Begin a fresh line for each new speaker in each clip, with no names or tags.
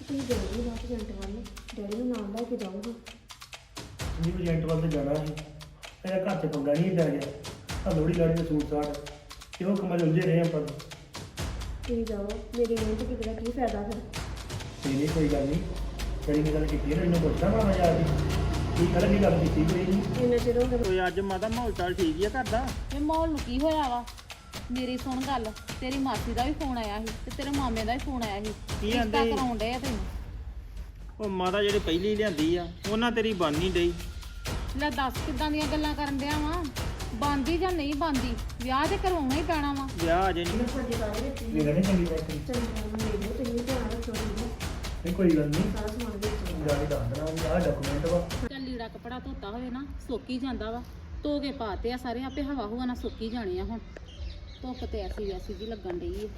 ਤੁਸੀਂ ਜਾਓਗੇ ਬਾਅਦ ਏਜੰਟ ਵੱਲ ਡੈਡੀ ਨੂੰ ਨਾਲ ਲੈ ਕੇ ਜਾਊਗਾ।
ਜੀ ਏਜੰਟ ਵੱਲ ਤੇ ਜਾਣਾ ਸੀ, ਮੇਰਾ ਘਰ 'ਚ ਪੰਗਾ ਨਹੀਂ ਪੈ ਗਿਆ। ਆ ਲੋਹੜੀ ਲਾੜੀ ਦੇ ਸੂਟ ਸਾਟ ਤੇ ਉਹ ਕੰਮਾਂ 'ਚ ਉਲਝੇ ਰਹੇ ਆਪਾਂ।
ਤੁਸੀਂ ਜਾਓ, ਮੇਰੀ ਮਿਹਨਤ ਕੀਤਾ ਕੀ ਫਾਇਦਾ ਫਿਰ।
ਨਹੀਂ ਕੋਈ ਗੱਲ ਨਹੀਂ, ਜਿਹੜੀ ਨੇ ਗੱਲ ਕੀਤੀ ਹੈ ਨਾ ਇਹਨੂੰ ਪੁੱਛਦਾ ਮਾੜਾ ਜਾ ਕੇ ਕੀ ਗੱਲ ਨਹੀਂ ਗੱਲ ਕੀਤੀ ਕੋਈ ਨਹੀਂ।
ਇੰਨਾ ਚਿਰ ਹੋ ਗਿਆ।
ਕੋਈ ਅੱਜ ਮਾਤਾ ਮਾਹੌਲ ਚਾਲ ਠੀਕ ਹੀ ਆ ਘਰ ਦਾ।
ਇਹ ਮਾਹੌਲ ਨੂੰ ਕੀ ਹੋਇਆ ਵਾ? ਮੇਰੀ ਸੁਣ ਗੱਲ, ਤੇਰੀ ਮਾਸੀ ਦਾ ਵੀ ਫੋਨ ਆਇਆ ਸੀ ਤੇ ਤੇਰੇ ਮਾਮੇ ਦਾ ਵੀ ਫੋਨ ਆਇਆ ਸੀ।
ਕੀ
ਰਿਸ਼ਤਾ
ਕਹਿੰਦੇ?
ਕਰਾਉਣ ਡਏ ਆ ਤੈਨੂੰ।
ਉਹ ਮਾਤਾ ਜਿਹੜੀ ਪਹਿਲੀ ਲਿਆਂਦੀ ਆ ਉਹਨਾਂ ਤੇਰੀ ਬਣ ਨਹੀਂ ਡਈ।
ਲੈ ਦੱਸ ਕਿੱਦਾਂ ਦੀਆਂ ਗੱਲਾਂ ਕਰਨ ਡਿਆ ਵਾ? ਬੰਦੀ ਜਾਂ ਨਹੀਂ ਬੰਦੀ? ਵਿਆਹ ਤੇ ਕਰਵਾਉਣਾ ਹੀ ਪੈਣਾ ਵਾ।
ਵਿਆਹ ਅਜੇ ਨਹੀਂ।
ਸਾਡੇ ਸਾਰੇ ਵਿੱਚ ਹੀ
ਮੇਰਾ ਨਹੀਂ ਚੰਗੀ ਬਾਤ
ਚੰਗਾ ਨੂੰ ਲੈ ਲਓ, ਤੁਸੀਂ ਧਿਆਨ ਰੱਖੋ ਠੀਕ ਹੈ।
ਨਹੀਂ ਕੋਈ ਗੱਲ ਨਹੀਂ,
ਸਾਰਾ ਸਮਾਨ ਵਿੱਚ
ਜਾ ਕੇ ਦੱਸ ਦੇਣਾ ਵੀ ਆਹ ਡਾਕੂਮੈਂਟ ਵਾ।
ਚੱਲ ਲੀੜਾ ਕਪੜਾ ਧੋਤਾ ਹੋਵੇ ਨਾ ਸੁੱਕੀ ਜਾਂਦਾ ਵਾ। ਧੋ ਕੇ ਪਾਤੇ ਆ ਸਾਰੇ, ਆਪੇ ਹਵਾ ਹੁਆ ਨਾ ਸੁੱਕੀ ਜਾਣੇ ਆ। ਹੁਣ ਧੁੱਪ ਤੇ ਐਸੀ ਵੈਸੀ ਜੀ ਲੱਗਣ ਡਈ ਆ।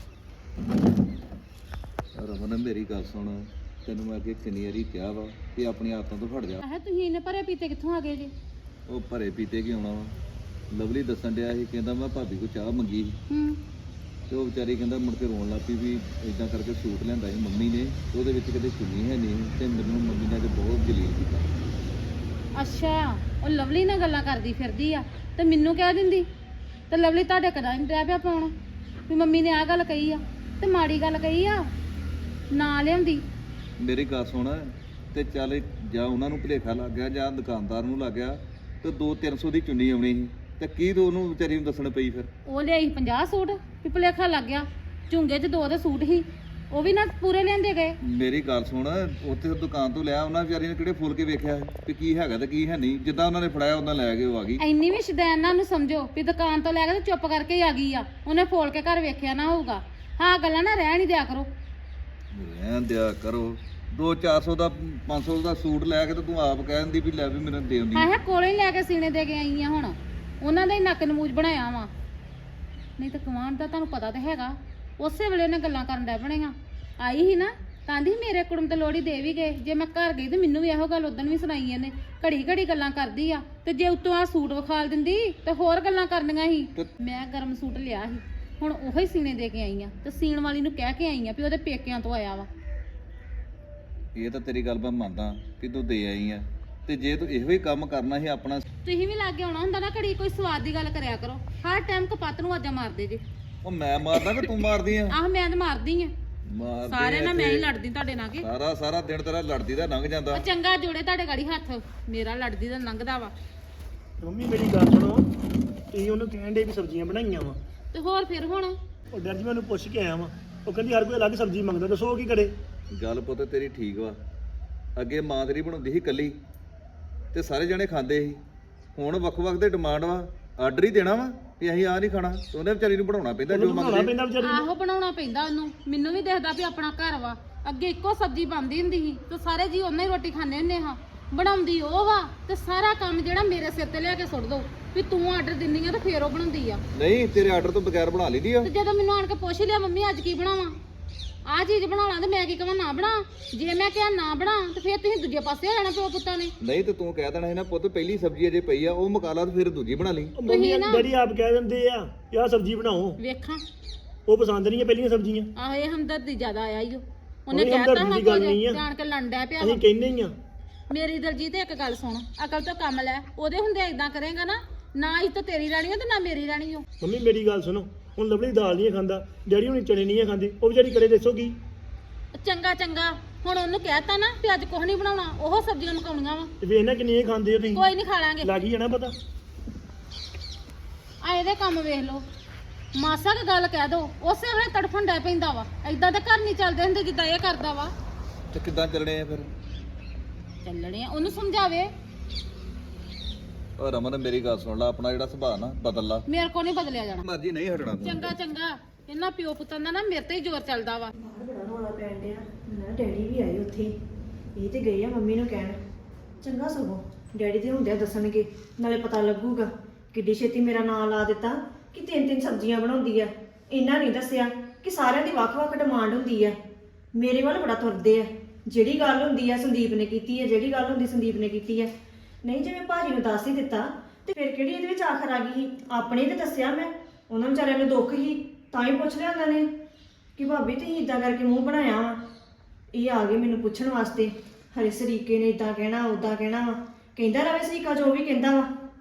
ਰਮਨ ਮੇਰੀ ਗੱਲ ਸੁਣ, ਤੈਨੂੰ ਮੈਂ ਅੱਗੇ ਕਿੰਨੀ ਵਾਰੀ ਕਿਹਾ ਵਾ ਕਿ ਆਪਣੀ ਆਦਤਾਂ ਤੋਂ ਹਟ ਜਾ।
ਆਹ ਤੁਸੀਂ ਇਹਨੇ ਭਰੇ ਪੀਤੇ ਕਿੱਥੋਂ ਆ ਗਏ ਜੀ?
ਉਹ ਭਰੇ ਪੀਤੇ ਕੀ ਆਉਣਾ ਵਾ। ਲਵਲੀ ਦੱਸਣ ਡਿਆ ਸੀ, ਕਹਿੰਦਾ ਮੈਂ ਭਾਬੀ ਕੋ ਚਾਹ ਮੰਗੀ
ਹੂੰ।
ਤੇ ਉਹ ਵਿਚਾਰੀ ਕਹਿੰਦਾ ਮੁੜ ਕੇ ਰੋਣ ਲੱਗ ਪਈ ਵੀ ਇਦਾਂ ਕਰਕੇ ਸੂਟ ਲਿਆਂਦਾ ਸੀ ਮੰਮੀ ਨੇ, ਉਹਦੇ ਵਿੱਚ ਕਦੇ ਚੁੰਨੀ ਹੈ ਨਹੀਂ ਤੇ ਮੈਨੂੰ ਮੰਮੀ ਨੇ ਤੇ ਬਹੁਤ ਜਲੀਲ ਕੀਤਾ।
ਅੱਛਾ, ਉਹ ਲਵਲੀ ਨਾਲ ਗੱਲਾਂ ਕਰਦੀ ਫਿਰਦੀ ਆ ਤੇ ਮੈਨੂੰ ਕਹਿ ਦਿੰਦੀ। ਤੇ ਲਵਲੀ ਤੁਹਾਡੇ ਕਦਾ ਨਹੀਂ ਰਹਿ ਪਿਆ ਪਾਉਣ ਵੀ ਮੰਮੀ ਨੇ ਆਹ ਗੱਲ ਕਹੀ ਆ ਤੇ ਮਾੜੀ ਗੱਲ ਕਹੀ ਆ ਨਾ ਲਿਆਉਂਦੀ।
ਮੇਰੀ ਗੱਲ ਸੁਣ, ਤੇ ਚੱਲ ਜਾਂ ਉਹਨਾਂ ਨੂੰ ਭੁਲੇਖਾ ਲੱਗ ਗਿਆ ਜਾਂ ਦੁਕਾਨਦਾਰ ਨੂੰ ਲੱਗ ਗਿਆ ਤੇ 200-300 ਦੀ ਚੁੰਨੀ ਆਉਣੀ ਸੀ ਤੇ ਕੀ ਤੂੰ ਉਹਨੂੰ ਵਿਚਾਰੀ ਨੂੰ ਦੱਸਣ ਪਈ ਫਿਰ?
ਉਹ ਲਿਆਈ 50 ਸੂਟ ਵੀ ਭੁਲੇਖਾ ਲੱਗ ਗਿਆ। ਝੁੰਗੇ 'ਚ 2 ਦੇ ਸੂਟ ਸੀ, ਉਹ ਵੀ ਨਾ ਪੂਰੇ ਲਿਆਂਦੇ ਗਏ।
ਮੇਰੀ ਗੱਲ ਸੁਣ, ਉੱਥੇ ਦੁਕਾਨ ਤੋਂ ਲਿਆ ਉਹਨਾਂ ਵਿਚਾਰੀ ਨੇ ਕਿਹੜੇ ਫੁੱਲ ਕੇ ਵੇਖਿਆ ਵੀ ਕੀ ਹੈਗਾ ਤੇ ਕੀ ਹੈ ਨਹੀਂ। ਜਿੱਦਾਂ ਉਹਨਾਂ ਨੇ ਫੜਾਇਆ ਉਹਨਾਂ ਲੈ ਕੇ ਉਹ ਆ ਗਈ।
ਇੰਨੀ ਵੀ ਸ਼ਦੈਨਾਂ ਨੂੰ ਸਮਝੋ ਵੀ ਦੁਕਾਨ ਤੋਂ ਲੈ ਕੇ ਤੇ ਚੁੱਪ ਕਰਕੇ ਹੀ ਆ ਗਈ ਆ। ਉਹਨੇ ਫੋਲ ਕੇ ਘਰ ਵੇਖਿਆ ਨਾ ਹੋਊਗਾ। ਹਾਂ ਗੱਲਾਂ ਨਾ ਰਹਿਣ ਹੀ ਦਿਆ ਕਰੋ।
ਰਹਿਣ ਦਿਆ ਕਰੋ। 200-400 ਦਾ 500 ਦਾ ਸੂਟ ਲੈ ਕੇ ਤੇ ਤੂੰ ਆਪ ਕਹਿ ਦਿੰਦੀ ਵੀ ਲੈ ਵੀ ਮੈਨੂੰ ਦੇ ਦਿੰਦੀ।
ਆਹ ਕੋਲੇ ਹੀ ਲੈ ਕੇ ਸੀਨੇ ਦੇ ਕੇ ਆਈ ਆ। ਹੁਣ ਉਹਨਾਂ ਦਾ ਹੀ ਨੱਕ ਨਮੂਜ ਬਣਾਇਆ ਵਾ। ਨਹੀਂ ਤਾਂ ਕਮਾਂਡ ਦਾ ਤੁਹਾਨੂੰ ਪਤਾ ਤਾਂ ਹੈਗਾ। ਉਸੇ ਵੇਲੇ ਉਹਨੇ ਗੱਲਾਂ ਕਰਨ ਡੈ ਬਣੇਗਾ। ਆਈ ਸੀ ਨਾ ਕਹਿੰਦੀ ਮੇਰੇ ਕੁੜਮ ਤੇ ਲੋੜੀ ਦੇ ਵੀ ਗਏ। ਜੇ ਮੈਂ ਘਰ ਗਈ ਤੇ ਮੈਨੂੰ ਵੀ ਇਹੋ ਗੱਲ ਉਦੋਂ ਵੀ ਸੁਣਾਈ ਇਹਨੇ। ਘੜੀ ਘੜੀ ਗੱਲਾਂ ਕਰਦੀ ਆ ਤੇ ਜੇ ਉੱਤੋਂ ਆ ਸੂਟ ਵਿਖਾਲ ਦਿੰਦੀ ਤੇ ਹੋਰ ਗੱਲਾਂ ਕਰਨੀਆਂ ਸੀ। ਮੈਂ ਗਰਮ ਸੂਟ ਲਿਆ ਸੀ, ਹੁਣ ਉਹੋ ਹੀ ਸੀਨੇ ਦੇ ਕੇ ਆਈ ਆ ਤੇ ਸੀਣ ਵਾਲੀ ਨੂੰ ਕਹਿ ਕੇ ਆਈ ਆ ਵੀ ਉਹਦੇ ਪੇਕਿਆਂ ਤੋਂ ਆਇਆ ਵਾ।
ਇਹ ਤਾਂ ਤੇਰੀ ਗੱਲ ਮੈਂ ਮੰਨਦਾ ਕਿ ਤੂੰ ਦੇ ਆਈ ਆ, ਤੇ ਜੇ ਤੂੰ ਇਹੋ ਹੀ ਕੰਮ ਕਰਨਾ ਸੀ ਆਪਣਾ।
ਤੁਸੀਂ ਵੀ ਲਾਗੇ ਆਉਣਾ ਹੁੰਦਾ ਨਾ, ਘੜੀ ਕੋਈ ਸਵਾਦ ਦੀ ਗੱਲ ਕਰਿਆ ਕਰੋ। ਹਰ ਟਾਈਮ ਕਪੱਤ ਨੂੰ ਆਜਾ ਮਾਰਦੇ ਜੇ।
ਉਹ ਮੈਂ ਮਾਰਦਾ ਕਿ ਤੂੰ ਮਾਰਦੀ ਆ?
ਆਹ ਮੈਂ ਤਾਂ ਮਾਰਦੀ ਆ ਸਾਰੇ ਨਾਲ। ਮੈਂ ਹੀ ਲੜਦੀ ਤੁਹਾਡੇ ਨਾਲ ਕਿ
ਸਾਰਾ ਦਿਨ ਤੇਰਾ ਲੜਦੀ ਦਾ ਲੰਘ ਜਾਂਦਾ।
ਉਹ ਚੰਗਾ ਜੋੜੇ ਤੁਹਾਡੇ ਗਾੜੀ ਹੱਥ, ਮੇਰਾ ਲੜਦੀ ਦਾ ਲੰਘਦਾ ਵਾ।
ਮੰਮੀ ਮੇਰੀ ਗੱਲ ਸੁਣੋ, ਤੁਸੀਂ ਉਹਨੂੰ ਕਹਿਣ ਦੇ ਵੀ ਸਬਜ਼ੀਆਂ ਬਣਾਈਆਂ ਵਾ
ਤੇ ਹੋਰ ਫਿਰ ਹੁਣ
ਉਹ ਡਰ ਜੀ ਮੈਨੂੰ ਪੁੱਛ ਕੇ ਆਇਆ ਵਾ। ਉਹ ਕਹਿੰਦੀ ਹਰ ਕੋਈ ਅਲੱਗ ਸਬਜ਼ੀ ਮੰਗਦਾ, ਦੱਸੋ ਉਹ ਕੀ ਕਰੇ?
ਗੱਲ ਪੁੱਤ ਤੇਰੀ ਠੀਕ ਵਾ। ਅੱਗੇ ਮਾਂ ਤੇਰੀ ਬਣਾਉਂਦੀ ਸੀ ਇਕੱਲੀ ਤੇ ਸਾਰੇ ਜਣੇ ਖਾਂਦੇ ਸੀ। ਹੁਣ ਵੱਖ-ਵੱਖ ਦੇ ਡਿਮਾਂਡ ਵਾ, ਆਰਡਰ ਹੀ ਦੇਣਾ ਵਾ ਵੀ ਅਸੀਂ ਆਹ ਨਹੀਂ ਖਾਣਾ ਤੇ ਉਹਨੇ ਵਿਚਾਰੀ ਨੂੰ ਬਣਾਉਣਾ ਪੈਂਦਾ ਜੋ
ਬਣਾਉਣਾ
ਮੰਗਦੇ।
ਪੈਂਦਾ ਵਿਚਾਰੀ ਨੂੰ।
ਆਹੋ ਬਣਾਉਣਾ ਪੈਂਦਾ ਉਹਨੂੰ। ਮੈਨੂੰ ਵੀ ਦੇਖਦਾ ਵੀ ਆਪਣਾ ਘਰ ਵਾ। ਅੱਗੇ ਇੱਕੋ ਸਬਜ਼ੀ ਬਣਦੀ ਹੁੰਦੀ ਸੀ ਤੇ ਸਾਰੇ ਜੀ ਉਹਨਾਂ ਹੀ ਰੋਟੀ ਖਾਂਦੇ ਹੁੰਦੇ ਹਾਂ। ਬਣਾਉਂਦੀ ਉਹ ਵਾ ਤੇ ਸਾਰਾ ਕੰਮ ਜਿਹੜਾ ਮੇਰੇ ਸਿਰ ਤੇ ਲਿਆ ਕੇ ਸੁੱਟ ਦੋ ਵੀ ਤੂੰ ਆਰਡਰ ਦਿੰਦੀ ਆ ਤੇ ਫੇਰ ਉਹ ਬਣਾਉਂਦੀ ਆ।
ਨਹੀਂ ਤੇਰੇ ਆਰਡਰ ਤੋਂ ਬਗੈਰ ਬਣਾ ਲਈਦੀ ਆ।
ਤੇ ਜਦੋਂ ਮੈਨੂੰ ਆਣ ਕੇ ਪੁੱਛ ਲਿਆ ਮੰਮੀ ਅੱਜ ਕੀ ਬਣਾਵਾਂ, ਆਹ ਚੀਜ਼ ਬਣਾ ਲਾਂ ਤੇ ਮੈਂ ਕੀ ਕਹਾਂ ਨਾ ਬਣਾ। ਜੇ ਮੈਂ ਕਿਹਾ ਨਾ ਬਣਾ ਤੇ ਫੇਰ ਤੁਸੀਂ ਦੂਜੇ ਪਾਸੇ ਹੋ ਜਾਣਾ ਪਿਓ ਪੁੱਤਾਂ ਨੇ।
ਨਹੀਂ ਤੇ ਤੂੰ ਕਹਿ ਦੇਣਾ ਸੀ ਨਾ ਪੁੱਤ ਪਹਿਲੀ ਸਬਜ਼ੀ ਅਜੇ ਪਈ ਆ ਉਹ ਮੁਕਾ ਲਾ ਤੇ ਫਿਰ ਦੂਜੀ ਬਣਾ ਲਈ।
ਉਹ ਮੰਮੀ ਡੈਡੀ ਆਪ ਕਹਿ ਦਿੰਦੇ ਆ ਕਿ ਆਹ ਸਬਜ਼ੀ ਬਣਾਓ,
ਵੇਖਾਂ
ਉਹ ਪਸੰਦ ਨਹੀਂ ਆ ਪਹਿਲੀਆਂ ਸਬਜ਼ੀਆਂ।
ਆਹ ਇਹ ਹਮਦਰਦੀ ਜ਼ਿਆਦਾ ਆਇਆ ਈ ਓ। ਉਹਨੇ
ਉਹੀ
ਕਹਿਤਾ
ਹਮਦਰਦੀ
ਹਾਂ
ਦੀ ਗੱਲ
ਕੁਝ
ਨਹੀਂ ਆ।
ਜਾਣ ਕੇ ਲੰਡਿਆ ਪਿਆ ਵਾ।
ਅਸੀਂ ਕਹਿੰਦੇ ਹੀ ਆ।
ਮੇਰੀ ਦਲਜੀਤ ਇੱਕ ਗੱਲ ਸੁਣ, ਅਕਲ ਤੋਂ ਕੰਮ ਲੈ। ਉਹਦੇ ਹੁੰਦੇ ਇਦਾਂ ਕਰੇਗਾ ਨਾ ਹੀ ਤਾਂ ਤੇਰੀ ਰਾਣੀ ਓ ਤੇ ਨਾ ਮੇਰੀ ਰਾਣੀ ਓ।
ਮੰਮੀ ਮੇਰੀ ਗੱਲ ਸੁਣੋ, ਹੁਣ ਲਵਲੀ ਦਾਲ ਨਹੀਂ ਖਾਂਦਾ, ਡੈਡੀ ਹੁਣੀ ਚਣੇ ਨਹੀਂ ਖਾਂਦੇ, ਉਹ ਵਿਚਾਰੀ ਕਰੇ ਦੱਸੋ ਕੀ?
ਚੰਗਾ ਚੰਗਾ ਹੁਣ ਉਹਨੂੰ ਕਹਿਤਾ ਨਾ ਵੀ ਅੱਜ ਕੁਝ ਨਹੀਂ ਬਣਾਉਣਾ, ਉਹ ਸਬਜ਼ੀਆਂ ਮਕਾਉਣੀਆਂ ਵਾ।
ਤੇ ਵੇਖ ਨਾ ਕਿੰਨੀਆਂ ਖਾਂਦੇ ਹੋ ਤੁਸੀਂ।
ਕੋਈ ਨਹੀਂ ਖਾ ਲਾਂਗੇ।
ਲੱਗ ਹੀ ਜਾਣਾ ਪਤਾ।
ਆ ਇਹਦੇ ਕੰਮ ਵੇਖ ਲਓ, ਮਾਸਾ ਕੁ ਗੱਲ ਕਹਿ ਦੋ ਉਸੇ ਵੇਲੇ ਤੜਫਣ ਡੈ ਪੈਂਦਾ ਵਾ। ਏਦਾਂ ਦੇ ਘਰ ਨਹੀਂ ਚੱਲਦੇ ਹੁੰਦੇ ਜਿੱਦਾਂ ਇਹ ਕਰਦਾ ਵਾ।
ਤੇ ਕਿੱਦਾਂ ਚੱਲਣੇ ਆ ਫਿਰ?
ਚੱਲਣੇ ਆ, ਉਹਨੂੰ ਸਮਝਾਵੇ।
ਉਹ ਰਮਨ ਮੇਰੀ ਗੱਲ ਸੁਣ ਲਾ, ਆਪਣਾ ਜਿਹੜਾ ਸੁਭਾਅ ਨਾ ਬਦਲ ਲਾ।
ਮੇਰੇ ਕੋ ਨਹੀਂ ਬਦਲਿਆ ਜਾਣਾ।
ਮਰਜ਼ੀ ਨਹੀਂ ਹਟਣਾ ਤੂੰ।
ਚੰਗਾ ਚੰਗਾ, ਇਹਨਾਂ ਪਿਓ ਪੁੱਤਾਂ ਦਾ ਨਾ ਮੇਰੇ ਤੇ ਹੀ ਜ਼ੋਰ ਚੱਲਦਾ ਵਾ।
ਬਾਹਰ ਬੜਾ ਰੌਲਾ ਪੈਣ ਡਿਆ। ਨਾ ਡੈਡੀ ਵੀ ਆਏ ਉੱਥੇ, ਇਹ ਤੇ ਗਏ ਆ ਮੰਮੀ ਨੂੰ ਕਹਿਣ। ਚੰਗਾ ਸਗੋਂ ਡੈਡੀ ਦੇ ਹੁੰਦਿਆਂ ਦੱਸਣਗੇ, ਨਾਲੇ ਪਤਾ ਲੱਗੂਗਾ। ਕਿੱਡੀ ਛੇਤੀ ਮੇਰਾ ਨਾਂ ਲਾ ਦਿੱਤਾ ਕਿ 3-3 ਸਬਜ਼ੀਆਂ ਬਣਾਉਂਦੀ ਆ। ਇਹਨਾਂ ਨਹੀਂ ਦੱਸਿਆ ਕਿ ਸਾਰਿਆਂ ਦੀ ਵੱਖ-ਵੱਖ ਡਿਮਾਂਡ ਹੁੰਦੀ ਆ। ਮੇਰੇ ਵੱਲ ਬੜਾ ਤੁਰਦੇ ਆ। ਜਿਹੜੀ ਗੱਲ ਹੁੰਦੀ ਆ ਸੰਦੀਪ ਨੇ ਕੀਤੀ ਆ, ਜਿਹੜੀ ਗੱਲ ਹੁੰਦੀ ਸੰਦੀਪ ਨੇ ਕੀਤੀ ਆ। ਨਹੀਂ ਜੇ ਮੈਂ ਭਾਜੀ ਨੂੰ ਦੱਸ ਹੀ ਦਿੱਤਾ ਤੇ ਫਿਰ ਕਿਹੜੀ ਇਹਦੇ ਵਿੱਚ ਆਖਰ ਆ ਗਈ ਸੀ? ਆਪਣੇ ਤੇ ਦੱਸਿਆ ਮੈਂ, ਉਹਨਾਂ ਵਿਚਾਰਿਆਂ ਨੂੰ ਦੁੱਖ ਹੀ ਤਾਂ ਹੀ ਪੁੱਛ ਲਿਆ ਉਹਨਾਂ ਨੇ ਕਿ ਭਾਬੀ ਤੁਸੀਂ ਇਦਾਂ ਕਰਕੇ ਮੂੰਹ ਬਣਾਇਆ ਵਾ। ਇਹ ਆ ਗਏ ਮੈਨੂੰ ਪੁੱਛਣ ਵਾਸਤੇ ਹਰੇ ਸਰੀਕੇ ਨੇ ਇਦਾਂ ਕਹਿਣਾ ਉਦਾਂ ਕਹਿਣਾ ਵਾ ਕਹਿੰਦਾ ਰਵੇ ਸਰੀਕਾ ਜੋ ਵੀ ਕਹਿੰਦਾ ਵਾ।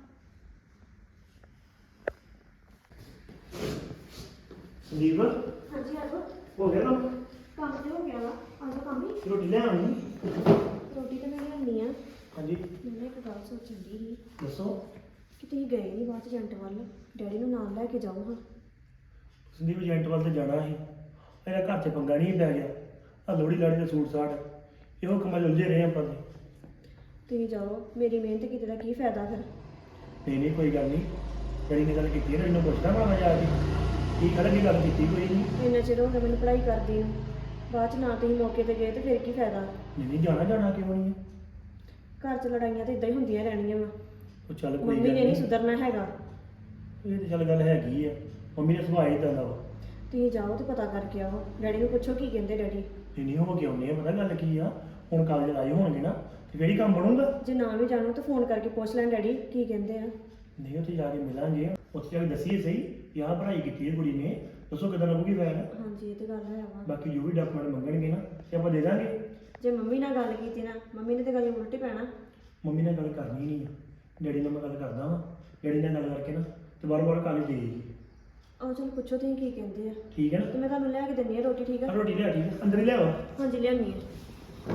ਸੰਦੀਪ
ਹਾਂਜੀ ਆਜੋ
ਹੋ ਗਿਆ ਕੰਮ?
ਕੰਮ ਤੇ ਹੋ ਗਿਆ ਵਾ ਆਜੋ ਕੰਮ ਹੀ
ਰੋਟੀ ਲੈ ਆਉਣੀ?
ਰੋਟੀ ਤਾਂ ਮੈਂ ਲਿਆਉਣੀ ਆ।
ਹਾਂਜੀ
ਮੈਂ ਇੱਕ ਗੱਲ ਸੋਚਣ ਦੀ ਸੀ
ਦੱਸੋ।
ਕਿ ਤੁਸੀਂ ਗਏ ਨਹੀਂ ਬਾਅਦ ਚ ਏਜੰਟ ਵੱਲ ਡੈਡੀ ਨੂੰ ਨਾਲ ਲੈ ਕੇ ਜਾਓ ਹਾਂ।
ਸੰਦੀਪ ਏਜੰਟ ਵੱਲ ਤੇ ਜਾਣਾ ਸੀ, ਮੇਰਾ ਘਰ 'ਚ ਪੰਗਾ ਨਹੀਂ ਪੈ ਗਿਆ। ਆ ਲੋਹੜੀ ਲਾੜੀ ਦਾ ਸੂਟ ਸਾਟ ਇਹੋ ਕੰਮਾਂ 'ਚ ਉਲਝੇ ਰਹੇ ਆਪਾਂ ਤੇ।
ਤੁਸੀਂ ਜਾਓ, ਮੇਰੀ ਮਿਹਨਤ ਕੀਤੇ ਦਾ ਕੀ ਫਾਇਦਾ ਫਿਰ।
ਨਹੀਂ ਕੋਈ ਗੱਲ ਨਹੀਂ, ਜਿਹੜੀ ਨੇ ਗੱਲ ਕੀਤੀ ਹੈ ਇਹਨੂੰ ਪੁੱਛਦਾ ਮੈਂ ਜਾ ਕੇ ਕੀ ਕਰਾਂਗੇ, ਗੱਲ ਕੀਤੀ ਕੋਈ ਨਹੀਂ।
ਇੰਨਾ ਚਿਰ ਹੋ ਗਿਆ ਮੈਨੂੰ ਪੜ੍ਹਾਈ ਕਰਦੀ ਨੂੰ, ਬਾਅਦ ਚ ਨਾ ਤੁਸੀਂ ਮੌਕੇ ਤੇ ਗਏ ਤੇ ਫਿਰ ਕੀ ਫਾਇਦਾ।
ਨਹੀਂ ਜਾਣਾ ਕਿਉਂ ਨਹੀਂ ਹੈ?
ਘਰ ਚ ਲੜਾਈਆਂ ਤੇ ਇਦਾਂ ਹੀ ਹੁੰਦੀਆਂ ਰਹਿਣੀਆਂ ਵਾ।
ਉਹ ਚੱਲ ਕੋਈ
ਮੰਮੀ
ਗੱਲ
ਨੇ ਨਹੀਂ
ਨਹੀਂ,
ਸੁਧਰਨਾ ਹੈਗਾ।
ਇਹ ਤਾਂ ਚੱਲ ਗੱਲ ਹੈਗੀ ਆ, ਮੰਮੀ ਨੇ ਸੁਭਾਅ ਹੀ ਇਦਾਂ ਦਾ ਵਾ।
ਤੁਸੀਂ ਜਾਓ ਤੇ ਪਤਾ ਕਰਕੇ ਆਓ, ਡੈਡੀ ਨੂੰ ਪੁੱਛੋ ਕੀ ਕਹਿੰਦੇ ਡੈਡੀ।
ਨਹੀਂ ਹੋ ਕੇ ਆਉਂਦੇ ਆ, ਪਤਾ ਗੱਲ ਕੀ ਆ, ਹੁਣ ਕਾਲਜ ਆਏ ਹੋਣਗੇ ਨਾ ਤੇ ਫੇਰ ਹੀ ਕੰਮ ਬਣੂਗਾ।
ਜੇ ਨਾ ਵੀ ਜਾਣੋ ਤਾਂ ਫੋਨ ਕਰਕੇ ਪੁੱਛ ਲੈਣ ਡੈਡੀ ਕੀ ਕਹਿੰਦੇ ਆ।
ਨਹੀਂ ਉੱਥੇ ਜਾ ਕੇ ਮਿਲਾਂਗੇ, ਉੱਥੇ ਜਾ ਕੇ ਦੱਸੀਏ ਸਹੀ ਕਿ ਆਹ ਪੜ੍ਹਾਈ ਕੀਤੀ ਹੈ ਕੁੜੀ ਨੇ, ਦੱਸੋ ਕਿੱਦਾਂ ਲੱਗੂਗੀ ਫੈਲ।
ਹਾਂਜੀ ਇਹ ਤੇ ਗੱਲ ਹੈ ਵਾ।
ਬਾਕੀ ਜੋ ਵੀ ਡਾਕੂਮੈਂਟ ਮੰਗਣਗੇ ਨਾ ਤੇ ਆਪਾਂ ਦੇ ਦਾਂਗੇ।
ਜੇ ਮੰਮੀ ਨਾਲ ਗੱਲ ਕੀਤੀ ਨਾ, ਮੰਮੀ ਨੇ ਤੇ ਗੱਲ ਉਲਟੀ ਪੈਣਾ।
ਮੰਮੀ ਨਾਲ ਗੱਲ ਕਰਨੀ ਨਹੀਂ ਆ, ਡੈਡੀ ਨਾਲ ਮੈਂ ਗੱਲ ਕਰਦਾ ਵਾਂ, ਡੈਡੀ ਨਾਲ ਗੱਲ ਕਰਕੇ ਨਾ ਤੇ ਬਾਰ-ਬਾਰ ਕਾਲਜ ਦੇ ਜੀ।
ਆਓ ਚਲ ਪੁੱਛੋ ਤੁਸੀਂ ਕੀ ਕਹਿੰਦੇ ਆ
ਠੀਕ ਹੈ
ਤੇ ਮੈਂ ਤੁਹਾਨੂੰ ਲੈ ਕੇ ਦਿੰਦੀ ਆ ਰੋਟੀ। ਠੀਕ
ਨਾ?
ਆ
ਰੋਟੀ ਲਿਆ, ਠੀਕ ਹੈ, ਅੰਦਰ ਹੀ ਲਿਆਓ।
ਹਾਂਜੀ ਲਿਆਉਣੀ ਆ।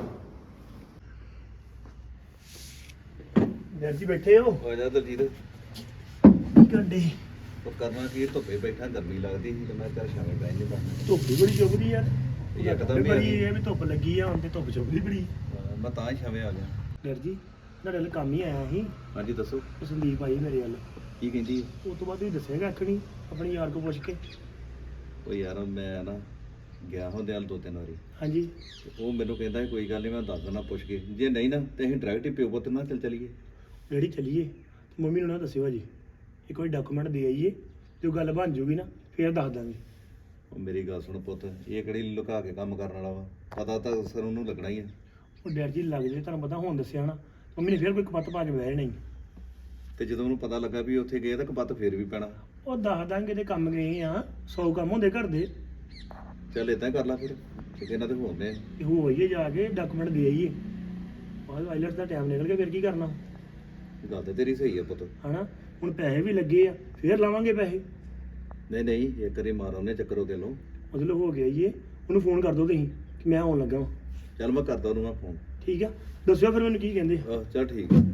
ਡੈਡ ਜੀ ਬੈਠੇ ਹੋ?
ਆ ਜਾ ਦਲਜੀਤ।
ਕੀ ਕਰਦੇ?
ਉਹ ਕਰਨਾ ਕੀ, ਧੁੱਪੇ ਬੈਠਾ ਗਰਮੀ ਲੱਗਦੀ ਸੀ ਤੇ ਮੈਂ ਚੱਲ ਸ਼ਾਮੇ ਬਹਿ ਜਾਂਦਾ।
ਧੁੱਪ ਵੀ ਬੜੀ ਚੁੱਭਦੀ ਯਾਰ।
ਯਕਦਮ ਹੀ ਆ
ਬੜੀ
ਗਈ।
ਇਹ ਵੀ ਧੁੱਪ ਲੱਗੀ ਆ ਹੁਣ ਤੇ ਧੁੱਪ ਚੁੱਭਦੀ ਬੜੀ।
ਮੈਂ ਤਾਂ ਹੀ ਸ਼ਾਮੇ ਆ ਗਿਆ।
ਡੈਡ ਜੀ ਤੁਹਾਡੇ ਨਾਲ ਕੰਮ ਹੀ ਆਇਆ ਸੀ,
ਹਾਂਜੀ ਦੱਸੋ
ਉਹ ਸੰਦੀਪ ਆਈ ਮੇਰੇ ਵੱਲ।
ਕੀ ਕਹਿੰਦੀ?
ਉਸ ਤੋਂ ਬਾਅਦ ਤੁਸੀਂ ਦੱਸੇਗਾ ਆਖਣੀ ਆਪਣੇ ਯਾਰ ਕੋਲ ਪੁੱਛ ਕੇ।
ਉਹ ਯਾਰ ਮੈਂ ਨਾ ਗਿਆ ਹੁੰਦੇ ਹਾਲ 2-3 ਵਾਰੀ,
ਹਾਂਜੀ
ਤੇ ਉਹ ਮੈਨੂੰ ਕਹਿੰਦਾ ਸੀ ਕੋਈ ਗੱਲ ਨਹੀਂ ਮੈਂ ਦੱਸ ਦਿੰਦਾ ਪੁੱਛ ਕੇ, ਜੇ ਨਹੀਂ ਨਾ ਤੇ ਅਸੀਂ ਡਾਇਰੈਕਟ ਹੀ ਪਿਓ ਪੁੱਤ ਨਾਲ ਚੱਲੀਏ।
ਡੈਡੀ ਚੱਲੀਏ ਤੇ ਮੰਮੀ ਨੂੰ ਨਾ ਦੱਸਿਓ ਜੀ, ਇੱਕ ਵਾਰੀ ਡਾਕੂਮੈਂਟ ਦੇ ਆਈਏ ਤੇ ਉਹ ਗੱਲ ਬਣ ਜੂਗੀ ਨਾ ਫੇਰ ਦੱਸ ਦਾਂਗੇ।
ਉਹ ਮੇਰੀ ਗੱਲ ਸੁਣ ਪੁੱਤ, ਇਹ ਕਿਹੜੀ ਲੁਕਾ ਕੇ ਕੰਮ ਕਰਨ ਵਾਲਾ ਵਾ, ਪਤਾ ਤਾਂ ਸਰ ਉਹਨੂੰ ਲੱਗਣਾ ਹੀ ਆ।
ਉਹ ਡੈਡ ਜੀ ਲੱਗ ਜੇ, ਤੁਹਾਨੂੰ ਪਤਾ ਹੁਣ ਦੱਸਿਆ ਨਾ ਮੰਮੀ ਨੇ ਫੇਰ ਕੋਈ ਕਪੱਤ ਪਾ ਕੇ ਬਹਿ ਜਾਣਾ ਹੀ।
ਤੇ ਜਦੋਂ ਉਹਨੂੰ ਪਤਾ ਲੱਗਾ ਵੀ ਉੱਥੇ ਗਏ ਤਾਂ ਕਪੱਤ ਫੇਰ ਵੀ ਪੈਣਾ।
ਉਹ ਦੱਸ ਦਾਂਗੇ ਤੇ ਕੰਮ ਗਏ ਆ, 100 ਕੰਮ ਹੁੰਦੇ ਘਰ ਦੇ।
ਚੱਲ ਇਦਾਂ ਕਰ ਲਾ ਫਿਰ, ਇਹਨਾਂ ਦੇ ਹੋਣੇ।
ਤੇ ਹੋ ਆਈਏ ਜਾ ਕੇ ਡਾਕੂਮੈਂਟ ਦੇ ਆਈਏ, ਬਾਅਦ ਆਈਲੈਟਸ ਦਾ ਟਾਈਮ ਨਿਕਲ ਗਿਆ ਫਿਰ ਕੀ ਕਰਨਾ
ਗੱਲ ਤੇ ਤੇਰੀ ਸਹੀ ਆ ਪੁੱਤ।
ਹਨਾ। ਹੁਣ ਪੈਸੇ ਵੀ ਲੱਗੇ ਆ, ਫੇਰ ਲਾਵਾਂਗੇ ਪੈਸੇ।
ਨਹੀਂ ਇੱਕ ਵਾਰੀ ਮਾਰ ਉਹਨੇ ਚੱਕਰ ਉਹਦੇ ਨੂੰ।
ਮਤਲਬ ਹੋ ਗਿਆ ਆਈਏ, ਉਹਨੂੰ ਫੋਨ ਕਰ ਦਿਓ ਤੁਸੀਂ ਕਿ ਮੈਂ ਆਉਣ ਲੱਗਾ ਵਾਂ।
ਚੱਲ ਮੈਂ ਕਰਦਾ ਉਹਨੂੰ ਮੈਂ ਫੋਨ।
ਠੀਕ ਆ, ਦੱਸਿਓ ਫਿਰ ਮੈਨੂੰ ਕੀ ਕਹਿੰਦੇ।
ਆਹ ਚੱਲ ਠੀਕ ਆ।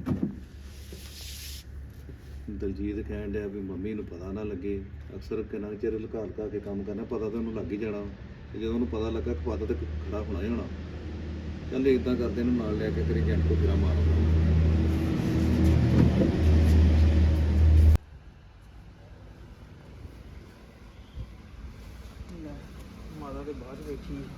ਦਲਜੀਤ ਕਹਿਣ ਡਿਆ ਵੀ ਮੰਮੀ ਨੂੰ ਪਤਾ ਨਾ ਲੱਗੇ, ਅਕਸਰ ਕਿੰਨਾ ਚਿਰ ਲੁਕਾ ਕੇ ਕੰਮ ਕਰਨਾ, ਪਤਾ ਤਾਂ ਉਹਨੂੰ ਲੱਗ ਹੀ ਜਾਣਾ, ਤੇ ਜਦੋਂ ਉਹਨੂੰ ਪਤਾ ਲੱਗਾ ਪਤਾ ਤੇ ਖੜਾ ਹੋਣਾ ਹੀ ਹੋਣਾ। ਚੱਲ ਇਦਾਂ ਕਰਦੇ ਇਹਨੂੰ ਨਾਲ ਲੈ ਕੇ ਤੇਰੇ ਏਜੰਟ ਕੋਲ ਫੇਰਾ ਮਾਰਦਾ।
ਮਾਤਾ ਦੇ ਬਾਹਰ ਬੈਠੀ ਆ।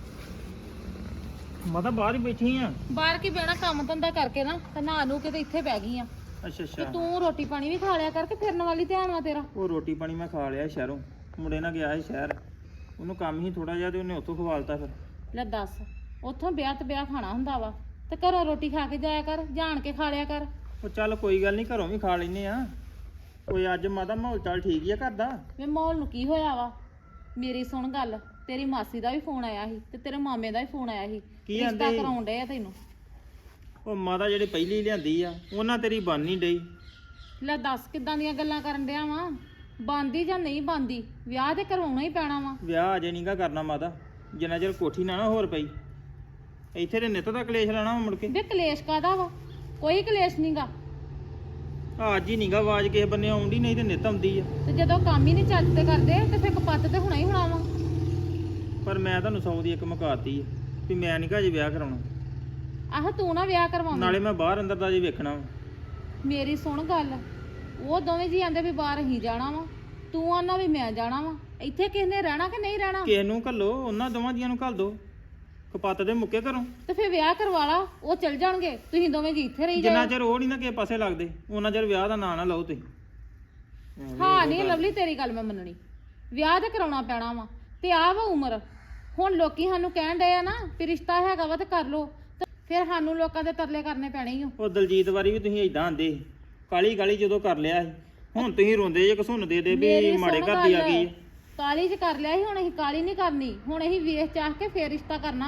ਮਾਤਾ ਬਾਹਰ ਹੀ ਬੈਠੀ ਆ।
ਬਾਹਰ ਕੀ ਬਹਿਣਾ, ਕੰਮ ਧੰਦਾ ਕਰਕੇ ਨਾ ਤੇ ਨਹਾ ਨੂੰ ਕੇ ਤੇ ਇੱਥੇ ਬਹਿ ਗਈ ਆ।
ਅੱਛਾ
ਤੇ
ਅੱਛਾ।
ਤੂੰ ਰੋਟੀ ਪਾਣੀ ਵੀ ਖਾ ਲਿਆ ਕਰਕੇ ਫਿਰਨ ਵਾਲੀ ਧਿਆਨ ਵਾ ਤੇਰਾ।
ਉਹ ਰੋਟੀ ਪਾਣੀ ਮੈਂ ਖਾ ਲਿਆ ਸ਼ਹਿਰੋਂ, ਮੁੰਡੇ ਨਾਲ ਗਿਆ ਸੀ ਸ਼ਹਿਰ, ਉਹਨੂੰ ਕੰਮ ਹੀ ਥੋੜਾ ਜਿਹਾ ਤੇ ਉਹਨੇ ਉੱਥੋਂ ਖਵਾਲਤਾ ਫਿਰ।
ਲੈ ਦੱਸ, ਉੱਥੋਂ ਵਿਆਹ ਤੇ ਵਿਆਹ ਖਾਣਾ ਹੁੰਦਾ ਵਾ ਤੇ ਘਰੋਂ ਰੋਟੀ ਖਾ ਕੇ ਜਾਇਆ ਕਰ, ਜਾਣ ਕੇ ਖਾ ਲਿਆ ਕਰ।
ਉਹ ਚੱਲ ਕੋਈ ਗੱਲ ਨਹੀਂ, ਘਰੋਂ ਵੀ ਖਾ ਲੈਨੇ ਆ। ਕੋਈ ਅੱਜ ਮਾਤਾ ਮਾਹੌਲ ਚਾਲ ਠੀਕ ਹੀ ਆ ਘਰ ਦਾ।
ਵੇ ਮਾਹੌਲ ਨੂੰ ਕੀ ਹੋਇਆ ਵਾ, ਮੇਰੀ ਸੁਣ ਗੱਲ, ਤੇਰੀ ਮਾਸੀ ਦਾ ਵੀ ਫੋਨ ਆਇਆ ਸੀ ਤੇ ਤੇਰੇ ਮਾਮੇ ਦਾ ਵੀ ਫੋਨ ਆਇਆ ਸੀ,
ਕੀ
ਰਿਸ਼ਤਾ
ਆਂਦੇ?
ਕਰਾਉਣ ਡਏ ਆ ਤੈਨੂੰ।
ਉਹ ਮਾਤਾ ਜਿਹੜੀ ਪਹਿਲੀ ਲਿਆਂਦੀ ਆ ਉਹਨਾਂ ਤੇਰੀ ਬਣ ਨਹੀਂ ਡਈ।
ਲੈ ਦੱਸ ਕਿੱਦਾਂ ਦੀਆਂ ਗੱਲਾਂ ਕਰਨ ਡਿਆ ਵਾ, ਬੰਦੀ ਜਾਂ ਨਹੀਂ ਬੰਦੀ, ਵਿਆਹ ਤੇ ਕਰਵਾਉਣਾ ਹੀ ਪੈਣਾ ਵਾ।
ਵਿਆਹ ਅਜੇ ਨਹੀਂਗਾ ਕਰਨਾ ਮਾਤਾ, ਜਿੰਨਾ ਚਿਰ ਕੋਠੀ ਨਾ ਹੋਰ ਪਈ। ਇੱਥੇ ਦੇ ਨਿੱਤ ਦਾ ਕਲੇਸ਼ ਲੈਣਾ ਵਾ ਮੁੜ ਕੇ।
ਵੇ ਕਲੇਸ਼ ਕਾਦਾ ਵਾ, ਕੋਈ ਕਲੇਸ਼ ਨਹੀਂਗਾ।
ਅੱਜ ਹੀ ਨਹੀਂਗਾ ਆਵਾਜ਼ ਕਿਸੇ ਬੰਨੇ ਆਉਂਦੀ, ਨਹੀਂ ਤੇ ਨਿੱਤ ਆਉਂਦੀ ਆ।
ਤੇ ਜਦੋਂ ਕੰਮ ਹੀ ਨਹੀਂ ਚੱਜ ਤੇ ਕਰਦੇ ਤੇ ਫਿਰ ਕਪੱਤ ਤੇ ਹੋਣਾ ਹੀ ਹੋਣਾ ਵਾ।
ਪਰ ਮੈਂ ਤੁਹਾਨੂੰ 100 ਦੀ ਇੱਕ ਮੁਕਾਤੀ ਆ ਵੀ ਮੈਂ ਨਹੀਂ ਅਜੇ ਵਿਆਹ ਕਰਾਉਣਾ।
ਆਹ ਤੂੰ ਨਾ ਵਿਆਹ ਕਰਵਾਉਂਦੀ।
ਨਾਲੇ ਮੈਂ ਬਾਹਰ ਅੰਦਰ ਦਾ ਜੇ ਵੇਖਣਾ ਵਾ।
ਮੇਰੀ ਸੁਣ ਗੱਲ, ਉਹ ਦੋਵੇਂ ਜੀ ਆਂਦੇ ਵੀ ਬਾਹਰ ਹੀ ਜਾਣਾ ਵਾ, ਤੂੰ ਆਨਾ ਵੀ ਮੈਂ ਜਾਣਾ ਵਾ। ਇੱਥੇ ਕਿਸ ਨੇ ਰਹਿਣਾ ਕਿ ਨਹੀਂ ਰਹਿਣਾ?
ਕਿਸੇ ਨੂੰ ਘੱਲੋ, ਉਹਨਾਂ ਦੋਵਾਂ ਜੀਆਂ ਨੂੰ ਘੱਲ ਦੋ, ਕਪੱਤ ਦੇ ਮੁੱਕੇ ਘਰੋਂ।
ਤੇ ਫਿਰ ਵਿਆਹ ਕਰਵਾ ਲਾ, ਉਹ ਚਲ ਜਾਣਗੇ, ਤੁਸੀਂ ਦੋਵੇਂ ਜੀ ਇੱਥੇ ਰਹੀ
ਜਿੰਨਾ
ਜਾਓ।
ਚਿਰ ਉਹ ਨਹੀਂ ਨਾ ਕਿਸੇ ਪਾਸੇ ਲੱਗਦੇ, ਉਹਨਾਂ ਚਿਰ ਵਿਆਹ ਦਾ ਨਾਂ ਨਾ ਲਓ ਤੁਸੀਂ।
ਹਾਂ ਨਹੀਂ ਲਵਲੀ, ਤੇਰੀ ਗੱਲ ਮੈਂ ਮੰਨਣੀ, ਵਿਆਹ ਤੇ ਕਰਾਉਣਾ ਪੈਣਾ ਵਾ। ਤੇ ਆਹ ਵਾ ਉਮਰ, ਹੁਣ ਲੋਕੀ ਸਾਨੂੰ ਕਹਿਣ ਡਏ ਆ ਨਾ ਵੀ ਰਿਸ਼ਤਾ ਹੈਗਾ ਵਾ ਤੇ ਕਰ ਲੋ, ਤੇ ਫਿਰ ਸਾਨੂੰ ਲੋਕਾਂ ਦੇ ਤਰਲੇ ਕਰਨੇ ਪੈਣੇ ਹੀ ਆ।
ਉਹ ਦਲਜੀਤ ਵਾਰੀ ਵੀ ਤੁਸੀਂ ਏਦਾਂ ਆਂਦੇ ਸੀ, ਕਾਲੀ ਕਾਲੀ ਜਦੋਂ ਕਰ ਲਿਆ ਸੀ, ਹੁਣ ਤੁਸੀਂ ਰੋਂਦੇ ਜੇ ਘਸੁੰਨ ਦੇ ਵੀ
ਮੇਰੀ
ਮਾੜੇ
ਸੁਣ
ਘਰ ਦੀ ਆ
ਗੱਲ,
ਗਈ ਹੈ।
ਕਾਲੀ ਚ ਕਰ ਲਿਆ ਸੀ, ਹੁਣ ਅਸੀਂ ਕਾਲੀ ਨਹੀਂ ਕਰਨੀ, ਹੁਣ ਅਸੀਂ ਵੇਖ ਚਾਹ ਕੇ ਫੇਰ ਰਿਸ਼ਤਾ ਕਰਨਾ ਵਾ।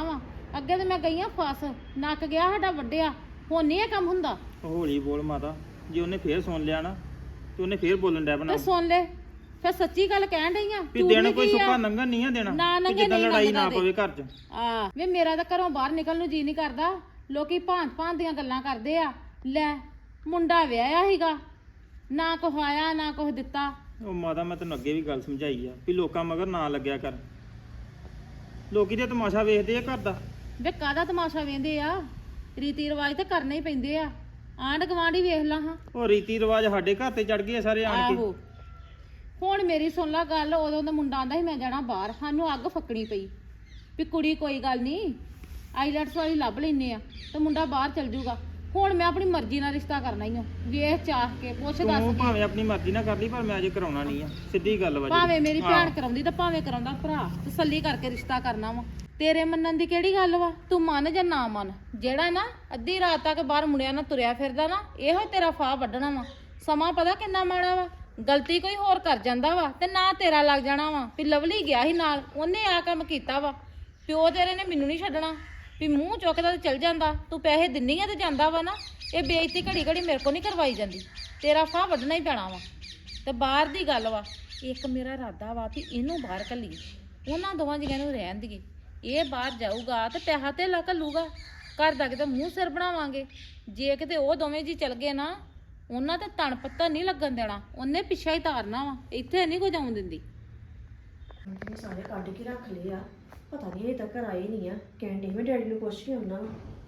ਅੱਗੇ ਤੇ ਮੈਂ ਗਈ ਆ ਫਸ, ਨੱਕ ਗਿਆ ਸਾਡਾ ਵੱਡਿਆ, ਹੁਣ ਨਹੀਂ ਇਹ ਕੰਮ ਹੁੰਦਾ।
ਹੌਲੀ ਬੋਲ ਮਾਤਾ, ਜੇ ਉਹਨੇ ਫੇਰ ਸੁਣ ਲਿਆ ਨਾ ਤੇ ਉਹਨੇ ਫੇਰ ਬੋਲਣ ਡੈ ਬਣਾ
ਤੇ ਸੁਣ ਲੈ, ਫਿਰ ਸੱਚੀ ਗੱਲ ਕਹਿਣ ਡਈ ਆ।
ਵੀ ਦਿਨ ਕੋਈ ਸੁੱਕਾ ਲੰਘਣ ਨਹੀਂ ਆ ਦੇਣਾ,
ਨਾ
ਕਿ
ਲੰਘੇ
ਜਿੱਦਾਂ
ਨਹੀਂ
ਲੜਾਈ ਨਾ
ਲੰਘਦਾ
ਪਵੇ ਘਰ 'ਚ।
ਆ ਵੇ ਮੇਰਾ ਤਾਂ ਘਰੋਂ ਬਾਹਰ ਨਿਕਲਣ ਨੂੰ ਜੀ ਨਹੀਂ ਕਰਦਾ। ਲੋਕੀ ਭਾਂਤ ਭਾਂਤ ਦੀਆਂ ਗੱਲਾਂ ਕਰਦੇ ਆ। ਲੈ ਮੁੰਡਾ ਵਿਆਹਿਆ ਸੀਗਾ, ਨਾ ਕੁਛ ਆਇਆ ਨਾ ਕੁਛ ਦਿੱਤਾ।
ਉਹ ਮਾਤਾ ਮੈਂ ਤੈਨੂੰ ਅੱਗੇ ਵੀ ਗੱਲ ਸਮਝਾਈ ਆ ਵੀ ਲੋਕਾਂ ਮਗਰ ਨਾ ਲੱਗਿਆ ਕਰ। ਲੋਕੀ ਤੇ ਤਮਾਸ਼ਾ ਵੇਖਦੇ ਆ ਘਰ ਦਾ।
ਵੇ ਕਾਹਦਾ ਤਮਾਸ਼ਾ ਵੇਂਦੇ ਆ, ਰੀਤੀ ਰਿਵਾਜ ਤੇ ਕਰਨੇ ਹੀ ਪੈਂਦੇ ਆ। ਆਂਢ ਗੁਆਂਢ ਵੇਖ ਲਾ ਹਾਂ।
ਉਹ ਰੀਤੀ ਰਿਵਾਜ ਸਾਡੇ ਘਰ ਤੇ ਚੜ ਗਏ ਸਾਰੇ ਆਣ ਕੇ।
ਆਹੋ ਹੁਣ ਮੇਰੀ ਸੁਣ ਲਾ ਗੱਲ, ਉਦੋਂ ਦਾ ਮੁੰਡਾ ਆਂਦਾ ਸੀ ਮੈਂ ਜਾਣਾ ਬਾਹਰ, ਸਾਨੂੰ ਅੱਗ ਫੱਕਣੀ ਪਈ ਵੀ ਕੁੜੀ ਕੋਈ ਗੱਲ ਨਹੀਂ ਆਈਲੈਟਸ ਵਾਲੀ ਲੱਭ ਲੈਨੇ ਆ ਤੇ ਮੁੰਡਾ ਬਾਹਰ ਚਲ ਜਾਊਗਾ। ਹੁਣ ਮੈਂ ਆਪਣੀ ਮਰਜ਼ੀ ਨਾਲ ਰਿਸ਼ਤਾ ਕਰਨਾ ਹੀ ਆ, ਵੇਖ ਚਾਹ ਕੇ ਪੁੱਛ
ਤੂੰ
ਦੱਸ ਕੇ।
ਭਾਵੇਂ ਆਪਣੀ ਮਰਜ਼ੀ ਨਾਲ ਕਰ ਲਈ, ਪਰ ਮੈਂ ਅਜੇ ਕਰਾਉਣਾ ਨਹੀਂ ਆ। ਸਿੱਧੀ ਗੱਲ ਵਾ
ਭਾਵੇਂ ਮੇਰੀ
ਹਾਂ।
ਭੈਣ ਕਰਾਉਂਦੀ ਤੇ ਭਾਵੇਂ ਕਰਾਉਂਦਾ ਭਰਾ, ਤਸੱਲੀ ਕਰਕੇ ਰਿਸ਼ਤਾ ਕਰਨਾ ਵਾ। ਤੇਰੇ ਮੰਨਣ ਦੀ ਕਿਹੜੀ ਗੱਲ ਵਾ, ਤੂੰ ਮੰਨ ਜਾਂ ਨਾ ਮੰਨ। ਜਿਹੜਾ ਨਾ ਅੱਧੀ ਰਾਤ ਤੱਕ ਬਾਹਰ ਮੁੰਡਿਆਂ ਨਾਲ ਤੁਰਿਆ ਫਿਰਦਾ ਨਾ, ਇਹੋ ਤੇਰਾ ਫਾਹ ਵੱਢਣਾ ਵਾ। ਸਮਾਂ ਪਤਾ ਕਿੰਨਾ ਮਾੜਾ ਵਾ, ਗਲਤੀ ਕੋਈ ਹੋਰ ਕਰ ਜਾਂਦਾ ਵਾ ਤੇ ਨਾ ਤੇਰਾ ਲੱਗ ਜਾਣਾ ਵਾ ਵੀ ਲਵਲੀ ਗਿਆ ਸੀ ਨਾਲ, ਉਹਨੇ ਆ ਕੰਮ ਕੀਤਾ ਵਾ। ਪਿਓ ਤੇਰੇ ਨੇ ਮੈਨੂੰ ਨਹੀਂ ਛੱਡਣਾ ਵੀ ਮੂੰਹ ਚੁੱਕਦਾ ਤੇ ਚਲ ਜਾਂਦਾ। ਤੂੰ ਪੈਸੇ ਦਿੰਨੀ ਆ ਤੇ ਜਾਂਦਾ ਵਾ ਨਾ, ਇਹ ਬੇਇੱਜ਼ਤੀ ਘੜੀ ਘੜੀ ਮੇਰੇ ਕੋ ਨਹੀਂ ਕਰਵਾਈ ਜਾਂਦੀ। ਤੇਰਾ ਫਾਹ ਵੱਢਣਾ ਹੀ ਪੈਣਾ ਵਾ। ਤੇ ਬਾਹਰ ਦੀ ਗੱਲ ਵਾ, ਇੱਕ ਮੇਰਾ ਇਰਾਦਾ ਵਾ ਵੀ ਇਹਨੂੰ ਬਾਹਰ ਘੱਲੀਏ, ਉਹਨਾਂ ਦੋਵਾਂ ਜੀਆਂ ਨੂੰ ਰਹਿਣ ਦੀਏ। ਇਹ ਬਾਹਰ ਜਾਊਗਾ ਤੇ ਪੈਸਾ ਤੇ ਘੱਲੂਗਾ, ਘਰ ਦਾ ਕਿਤੇ ਮੂੰਹ ਸਿਰ ਬਣਾਵਾਂਗੇ। ਜੇ ਕਿਤੇ ਉਹ ਦੋਵੇਂ ਜੀ ਚਲ ਗਏ ਨਾ, ਉਹਨਾਂ ਤੇ ਤਣ ਪੱਤਾ ਨਹੀਂ ਲੱਗਣ ਦੇਣਾ, ਉਹਨੇ ਪਿੱਛਾ ਹੀ ਤਾਰਨਾ ਵਾ, ਇੱਥੇ ਨਹੀਂ ਕੋਈ ਜਾਉਣ ਦਿੰਦੀ।
ਇਹ ਸਾਰੇ ਕੱਢ ਕੇ ਰੱਖ ਲਏ ਆ, ਪਤਾ ਨਹੀਂ ਅਜੇ ਤੱਕ ਆਏ ਨਹੀਂ ਆ। ਕਹਿੰਦੇ ਮੈਂ ਡੈਡੀ ਨੂੰ ਪੁੱਛ ਕੇ ਆਉਣਾ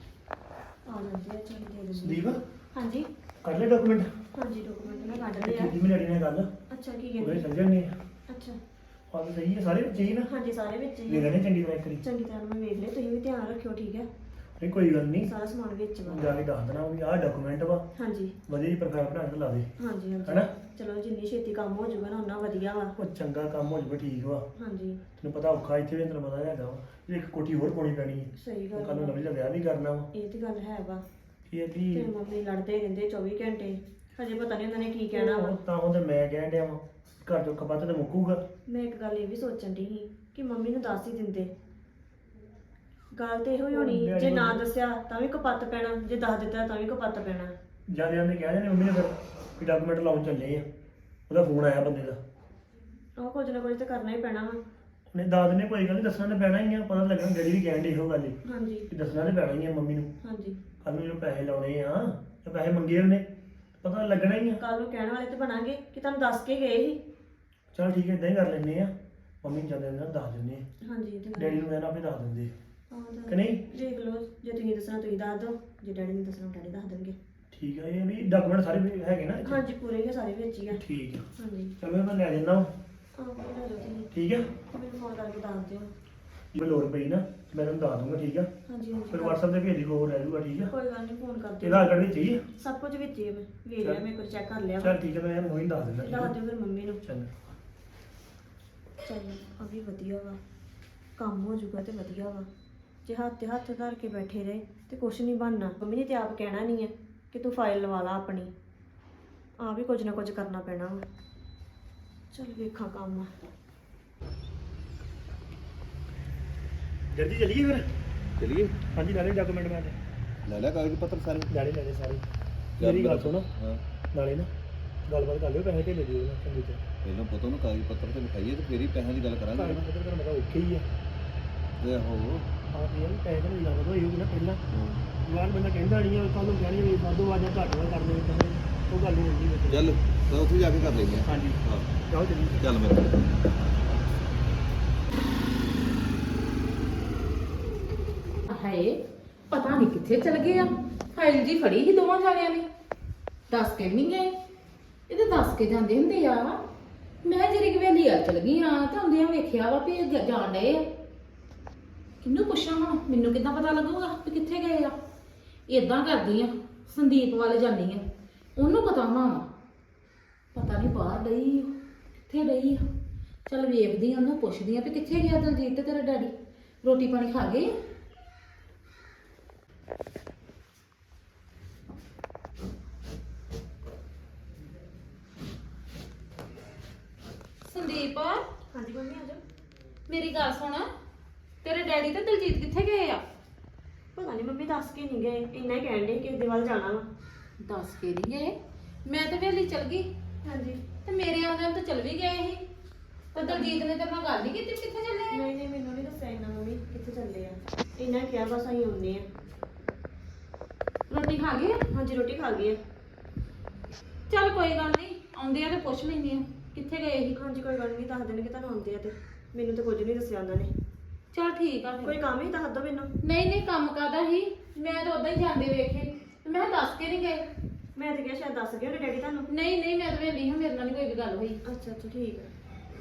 ਆ ਜਾਂਦੇ ਆ, ਚੱਲ ਦੇ ਦਿੰਦੇ।
ਸੰਦੀਪ
ਹਾਂਜੀ
ਕਰ ਲੈ ਡਾਕੂਮੈਂਟ।
ਹਾਂਜੀ ਡਾਕੂਮੈਂਟ ਮੈਂ ਕੱਢ ਲਿਆ।
ਕੀਤੀ ਮੈਂ ਡੈਡੀ ਨਾਲ ਗੱਲ,
ਅੱਛਾ ਕੀ
ਉਹਦੇ
ਕਹਿੰਦੇ?
ਸਮਝਣ ਨੇ
ਅੱਛਾ
ਆਹ ਤਾਂ ਸਹੀ ਹੈ, ਸਾਰੇ ਬੱਚੇ ਹੀ ਨਾ
ਹਾਂਜੀ ਸਾਰੇ ਵਿੱਚ ਹੀ
ਲੈ
ਆ।
ਲੈਣੇ ਚੰਗੀ ਤਰ੍ਹਾਂ ਇੱਕ ਵਾਰੀ।
ਚੰਗੀ ਤਰ੍ਹਾਂ ਮੈਂ ਵੇਖ ਲਿਆ, ਤੁਸੀਂ ਵੀ ਧਿਆਨ ਰੱਖਿਓ ਠੀਕ ਹੈ।
ਨਹੀਂ ਕੋਈ ਗੱਲ ਨਹੀਂ,
ਸਾਰਾ ਸਮਾਨ ਵਿੱਚ ਵਾ।
ਜਾ ਕੇ ਦੱਸ ਦੇਣਾ ਵੀ ਆਹ ਡਾਕੂਮੈਂਟ ਵਾ,
ਹਾਂਜੀ
ਵਧੀਆ ਜੀ ਪ੍ਰੋਫਾਈਲ ਬਣਾ ਕੇ ਲਾ ਦੇ।
ਹਾਂਜੀ
ਹੈਨਾ?
ਹਾਂਜੀ ਚਲੋ ਜਿੰਨੀ ਛੇਤੀ ਕੰਮ ਹੋ ਜਾਊਗਾ ਨਾ ਉਹਨਾਂ ਵਧੀਆ ਵਾ।
ਉਹ ਚੰਗਾ ਕੰਮ ਹੋ ਜਾਵੇ ਠੀਕ ਵਾ।
ਹਾਂਜੀ
ਤੈਨੂੰ ਪਤਾ ਔਖਾ ਇੱਥੇ ਵੀ ਤੈਨੂੰ ਪਤਾ ਹੈਗਾ ਵਾ, ਵੀ ਇੱਕ ਕੋਠੀ ਹੋਰ ਪਾਉਣੀ ਪੈਣੀ ਹੈ।
ਸਹੀ ਗੱਲ
ਕੱਲ ਨੂੰ
ਵਾ।
ਲਵਲੀ ਦਾ ਵਿਆਹ ਵੀ ਕਰਨਾ ਵਾ।
ਇਹ ਤੇ ਗੱਲ ਹੈ ਵਾ।
ਇਹ
ਤੇ
ਵੀ
ਮੰਮੀ ਲੜਦੇ ਰਹਿੰਦੇ 24 ਘੰਟੇ, ਹਜੇ ਪਤਾ ਨਹੀਂ ਉਹਨਾਂ ਨੇ ਕੀ ਕਹਿਣਾ ਵਾ।
ਤਾਂ ਉਹ ਤੇ ਮੈਂ ਕਹਿਣ ਡਿਆ ਵਾ, ਘਰ ਚੋਂ ਕਪੱਤ ਤੇ ਮੁੱਕੂਗਾ।
ਮੈਂ ਇੱਕ ਗੱਲ ਇਹ ਵੀ ਸੋਚਣ ਦੀ ਸੀ ਕਿ ਮੰਮੀ ਨੂੰ ਦੱਸ ਹੀ ਦਿੰਦੇ। ਗੱਲ ਤੇ ਇਹੋ ਹੀ ਹੋਣੀ, ਜੇ ਨਾ ਦੱਸਿਆ ਤਾਂ ਵੀ ਕਪੱਤ ਪੈਣਾ, ਜੇ ਦੱਸ ਦਿੱਤਾ ਤਾਂ ਵੀ ਕਪੱਤ ਪੈਣਾ।
ਜਦ ਉਹਨੇ ਕਿਹਾ ਜਾਨੇ ਮੰਮੀ ਨੇ ਫਿਰ ਵੀ ਡਾਕੂਮੈਂਟ ਲਾਉਣ ਚੱਲੇ ਆ, ਉਹਦਾ ਫੋਨ ਆਇਆ ਬੰਦੇ ਦਾ।
ਉਹ ਕੁਝ ਨਾ ਕੁਝ ਤਾਂ ਕਰਨਾ ਹੀ ਪੈਣਾ ਵਾ।
ਉਹਨੇ ਦੱਸ ਦਿੰਦੇ ਕੋਈ ਗੱਲ ਨਹੀਂ, ਦੱਸਣਾ ਤਾਂ ਪੈਣਾ ਹੀ ਆ। ਪਤਾ ਲੱਗਣਾ ਡੈਡੀ ਵੀ ਕਹਿਣ ਡੇ ਇਹੋ ਗੱਲ ਹੀ
ਹਾਂਜੀ
ਕਿ ਦੱਸਣਾ ਤਾਂ ਪੈਣਾ ਹੀ ਆ ਮੰਮੀ ਨੂੰ।
ਹਾਂਜੀ
ਕੱਲ ਨੂੰ ਜਦੋਂ ਪੈਸੇ ਲਾਉਣੇ ਆ ਜਾਂ ਪੈਸੇ ਮੰਗੇ ਉਹਨੇ, ਪਤਾ ਲੱਗਣਾ ਹੀ ਆ।
ਕੱਲ ਨੂੰ ਕਹਿਣ ਵਾਲੇ ਤੇ ਬਣਾਂਗੇ ਕਿ ਤੁਹਾਨੂੰ ਦੱਸ ਕੇ ਗਏ ਸੀ।
ਚਲ ਠੀਕ ਹੈ, ਇਦਾਂ ਹੀ ਕਰ ਲੈਂਦੇ ਆ। ਮੰਮੀ ਨੂੰ ਜਾਂਦੇ ਨਾਲ ਦੱਸ ਦਿੰਦੇ ਆ,
ਹਾਂਜੀ ਇਹ ਤੇ ਗੱਲ
ਡੈਡੀ ਨੂੰ ਕਹਿਣਾ ਆਪੇ ਦੱਸ ਦਿੰਦੇ ਆ।
ਆਹ ਤਾਂ
ਕਿ ਨਹੀਂ?
ਦੇਖ ਲਓ, ਜੇ ਤੁਸੀਂ ਦੱਸਣਾ ਤੁਸੀਂ ਦੱਸ ਦਿਓ, ਜੇ ਡੈਡੀ ਨੇ ਦੱਸਣਾ ਡੈਡੀ ਦੱਸ ਦੇਣਗੇ।
ਠੀਕ ਆ, ਇਹ ਵੀ ਡਾਕੂਮੈਂਟ ਸਾਰੇ ਵੀ ਹੈਗੇ ਨਾ ਇੱਥੇ?
ਹਾਂਜੀ ਪੂਰੇ ਹੀ ਆ, ਸਾਰੇ ਵਿੱਚ ਹੀ ਆ।
ਠੀਕ ਆ,
ਹਾਂਜੀ
ਚਲੋ ਮੈਂ ਲੈ ਜਾਂਦਾ ਵਾਂ।
ਆਹ ਕੋਈ ਲੈ ਜਾਓ ਤੁਸੀਂ,
ਠੀਕ ਆ,
ਮੈਨੂੰ ਫੋਨ ਕਰਕੇ ਦੱਸ ਦਿਓ।
ਜੇ ਲੋੜ ਪਈ ਨਾ ਮੈਂ ਤੁਹਾਨੂੰ ਦੱਸ ਦੂੰਗਾ। ਠੀਕ ਆ,
ਹਾਂਜੀ
ਫਿਰ
ਹਾਂਜੀ
WhatsApp ਤੇ ਭੇਜ ਦੀ ਹੋਰ ਰਹਿ ਜੂਗਾ। ਠੀਕ ਆ,
ਕੋਈ ਗੱਲ ਨਹੀਂ, ਫੋਨ ਕਰ ਦਿਓ।
ਇਹਦਾ ਆਧਾਰ ਕਾਰਡ ਵੀ ਚਾਹੀਏ?
ਸਭ ਕੁਝ ਵਿੱਚ ਹੀ ਹੈ, ਮੈਂ ਵੇਖ ਲਿਆ, ਮੈਂ ਕੁਝ ਚੈੱਕ ਕਰ ਲਿਆ।
ਚਲ ਠੀਕ ਹੈ, ਮੈਂ ਮੋਹਿਨ ਦੱਸ ਦਿੰਦਾ। ਠੀਕ
ਦੱਸ
ਆ,
ਦਿਓ ਫਿਰ ਮੰਮੀ ਨੂੰ।
ਚੰਗਾ।
ਚੱਲ ਆ ਵੀ ਵਧੀਆ ਵਾ, ਕੰਮ ਹੋ ਜਾਊਗਾ ਤੇ ਵਧੀਆ ਵਾ। ਜੇ ਹੱਥ ਤੇ ਹੱਥ ਧਰ ਕੇ ਬੈਠੇ ਰਹੇ ਤੇ ਕੁਛ ਨਹੀਂ ਬਣਨਾ। ਮੰਮੀ ਨੇ ਤੇ ਆਪ ਕਹਿਣਾ ਨਹੀਂ ਹੈ ਕਿ ਤੂੰ ਫਾਈਲ ਲਵਾ ਲਾ ਆਪਣੀ, ਆ ਵੀ ਕੁਝ ਨਾ ਕੁਝ ਕਰਨਾ ਪੈਣਾ ਵਾ। ਚੱਲ ਵੇਖਾਂ ਕੰਮ।
ਜਲਦੀ ਚਲੀਏ ਫਿਰ।
ਚਲੀਏ,
ਹਾਂਜੀ ਨਾਲੇ ਡਾਕੂਮੈਂਟ ਮੈਂ
ਲੈ ਲੈ ਕਾਗਜ਼ ਪੱਤਰ ਸਾਰੇ।
ਨਾਲੇ ਸਾਰੇ। ਮੇਰੀ ਗੱਲ ਸੁਣੋ,
ਹਾਂ,
ਨਾਲੇ ਨਾ ਗੱਲਬਾਤ ਕਰ ਲਿਓ, ਪੈਸੇ ਢੇਲੇ ਦਿਓ ਨਾ ਚੰਗੀ ਤਰ੍ਹਾਂ।
ਪਹਿਲਾਂ ਪਤਾ ਉਹਨੂੰ ਕਾਗਜ਼ ਪੱਤਰ ਤੇ ਲਿਖਾਈਏ ਤੇ ਫੇਰ ਹੀ ਪੈਸਿਆਂ ਦੀ ਗੱਲ ਕਰਾਂਗੇ।
ਕਾਗਜ਼ ਪੱਤਰ ਤੁਹਾਨੂੰ ਪਤਾ ਔਖੇ ਹੀ ਆ।
ਤੇ ਆਹੋ
ਆਹ ਇਹ ਪੈਸੇ ਤਾਂ ਲੱਗਦਾ ਹੋਈ ਹੋਊਗੀ ਨਾ ਪਹਿਲਾਂ। ਬਾਅਦ ਬੰਦਾ ਕਹਿੰਦਾ ਨਹੀਂ ਆ, ਕੱਲ ਨੂੰ ਕਹਿਣੀ ਵੀ ਵਾਧੂ ਵਾਜਾ ਘੱਟ ਵਾ ਕਰਨੇ ਪੈਸੇ, ਉਹ ਗੱਲ ਨਹੀਂ ਹੁੰਦੀ ਵਿੱਚ।
ਚੱਲ ਤਾਂ ਉੱਥੇ ਜਾ ਕੇ ਕਰ ਲੈਂਦੇ ਆ।
ਹਾਂਜੀ
ਹਾਂ
ਜਾਓ ਚਲੀਏ।
ਚੱਲ ਮੇਰੇ ਨਾਲ।
ਹਾਏ ਪਤਾ ਨਹੀਂ ਕਿੱਥੇ ਚਲ ਗਏ ਆ। ਫਾਈਲ ਜੀ ਫੜੀ ਸੀ ਦੋਵਾਂ ਜਾਣਿਆਂ ਨੇ, ਦੱਸ ਕੇ ਨਹੀਂ ਗਏ। ਇਹ ਤਾਂ ਦੱਸ ਕੇ ਜਾਂਦੇ ਹੁੰਦੇ ਆ। ਮੈਂ ਜਿਹੜੀ ਗਵੇਲੀ ਆ ਚਲ ਗਈ ਆ ਤੇ ਆਉਂਦਿਆਂ ਵੇਖਿਆ ਵਾ ਵੀ ਇਹ ਜਾਣ ਡਏ ਆ। ਕਿਹਨੂੰ ਪੁੱਛਾਂ ਹੁਣ, ਮੈਨੂੰ ਕਿੱਦਾਂ ਪਤਾ ਲੱਗੂਗਾ ਵੀ ਕਿੱਥੇ ਗਏ ਆ। ਇਦਾਂ ਕਰਦੀ ਆ, ਸੰਦੀਪ ਵੱਲ ਜਾਂਦੀ ਆ, ਉਹਨੂੰ ਪਤਾ ਹੋਣਾ ਵਾ। ਪਤਾ ਨਹੀਂ ਬਾਹਰ ਗਈ ਆ, ਕਿੱਥੇ ਗਈ ਆ। ਚੱਲ ਵੇਖਦੀ ਆ, ਉਹਨੂੰ ਪੁੱਛਦੀ ਆ ਵੀ ਕਿੱਥੇ ਗਿਆ ਦਲਜੀਤ ਤੇ ਤੇਰਾ ਡੈਡੀ, ਰੋਟੀ ਪਾਣੀ ਖਾ ਗਏ। ਸੰਦੀਪ
ਹਾਂਜੀ ਮੰਮੀ ਆ ਜਾਓ।
ਮੇਰੀ ਗੱਲ ਸੁਣ, ਤੇਰੇ ਡੈਡੀ ਤੇ ਦਲਜੀਤ ਕਿੱਥੇ ਗਏ ਆ?
ਦੱਸ ਕੇ ਨਹੀਂ ਗਏ, ਇੰਨਾ ਹੀ ਕਹਿਣ ਦੇ ਕਿ ਦੇ ਵੱਲ ਜਾਣਾ ਵਾ।
ਦੱਸ ਕੇ ਨਹੀਂ ਗਏ? ਮੈਂ ਤਾਂ ਵੇਲੀ ਚਲ ਗਈ
ਹਾਂਜੀ।
ਤੇ ਮੇਰੇ ਆਉਂਦਿਆਂ ਤਾਂ ਚਲ ਵੀ ਗਏ ਸੀ। ਤੇ ਦਲਜੀਤ ਨੇ ਤੇਰੇ ਨਾਲ ਗੱਲ ਨਹੀਂ ਕੀਤੀ ਕਿੱਥੇ ਚੱਲੇ ਆ?
ਨਹੀਂ ਮੈਨੂੰ ਨਹੀਂ ਦੱਸਿਆ ਇੰਨਾ ਮੰਮੀ ਕਿੱਥੇ ਚੱਲੇ ਆ। ਇੰਨਾ ਕਿਹਾ ਬਸ ਅਸੀਂ ਆਉਂਦੇ ਆ।
ਰੋਟੀ ਖਾ ਗਏ?
ਹਾਂਜੀ ਰੋਟੀ ਖਾ ਗਈ ਆ।
ਚੱਲ ਕੋਈ ਗੱਲ ਨਹੀਂ, ਆਉਂਦੇ ਆ ਤੇ ਪੁੱਛ ਲੈਂਦੇ ਆ ਕਿੱਥੇ ਗਏ ਸੀ।
ਹਾਂਜੀ ਕੋਈ ਗੱਲ ਨਹੀਂ, ਦੱਸ ਦੇਣਗੇ ਤੁਹਾਨੂੰ ਆਉਂਦੇ ਆ ਤੇ। ਮੈਨੂੰ ਤਾਂ ਕੁਝ ਨਹੀਂ ਦੱਸਿਆ ਉਹਨਾਂ ਨੇ।
ਚੱਲ ਠੀਕ ਆ
ਕੋਈ
ਫਿਰ।
ਕੰਮ ਹੀ ਦੱਸ ਦੋ ਮੈਨੂੰ।
ਨਹੀਂ ਕੰਮ ਕਾਦਾ ਸੀ, ਮੈਂ ਤਾਂ ਉਦਾਂ ਹੀ ਜਾਂਦੇ ਵੇਖੇ ਤੇ ਮੈਂ ਕਿਹਾ ਦੱਸ ਕੇ ਨਹੀਂ ਗਏ।
ਮੈਂ ਤਾਂ ਕਿਹਾ ਸ਼ਾਇਦ ਦੱਸ ਗਏ ਹੋਣੇ ਡੈਡੀ ਤੁਹਾਨੂੰ।
ਨਹੀਂ ਮੈਂ ਤਾਂ ਵੇਲੀ ਹਾਂ, ਮੇਰੇ ਨਾਲ ਨਹੀਂ ਕੋਈ ਵੀ ਗੱਲ ਹੋਈ।
ਅੱਛਾ ਠੀਕ ਹੈ।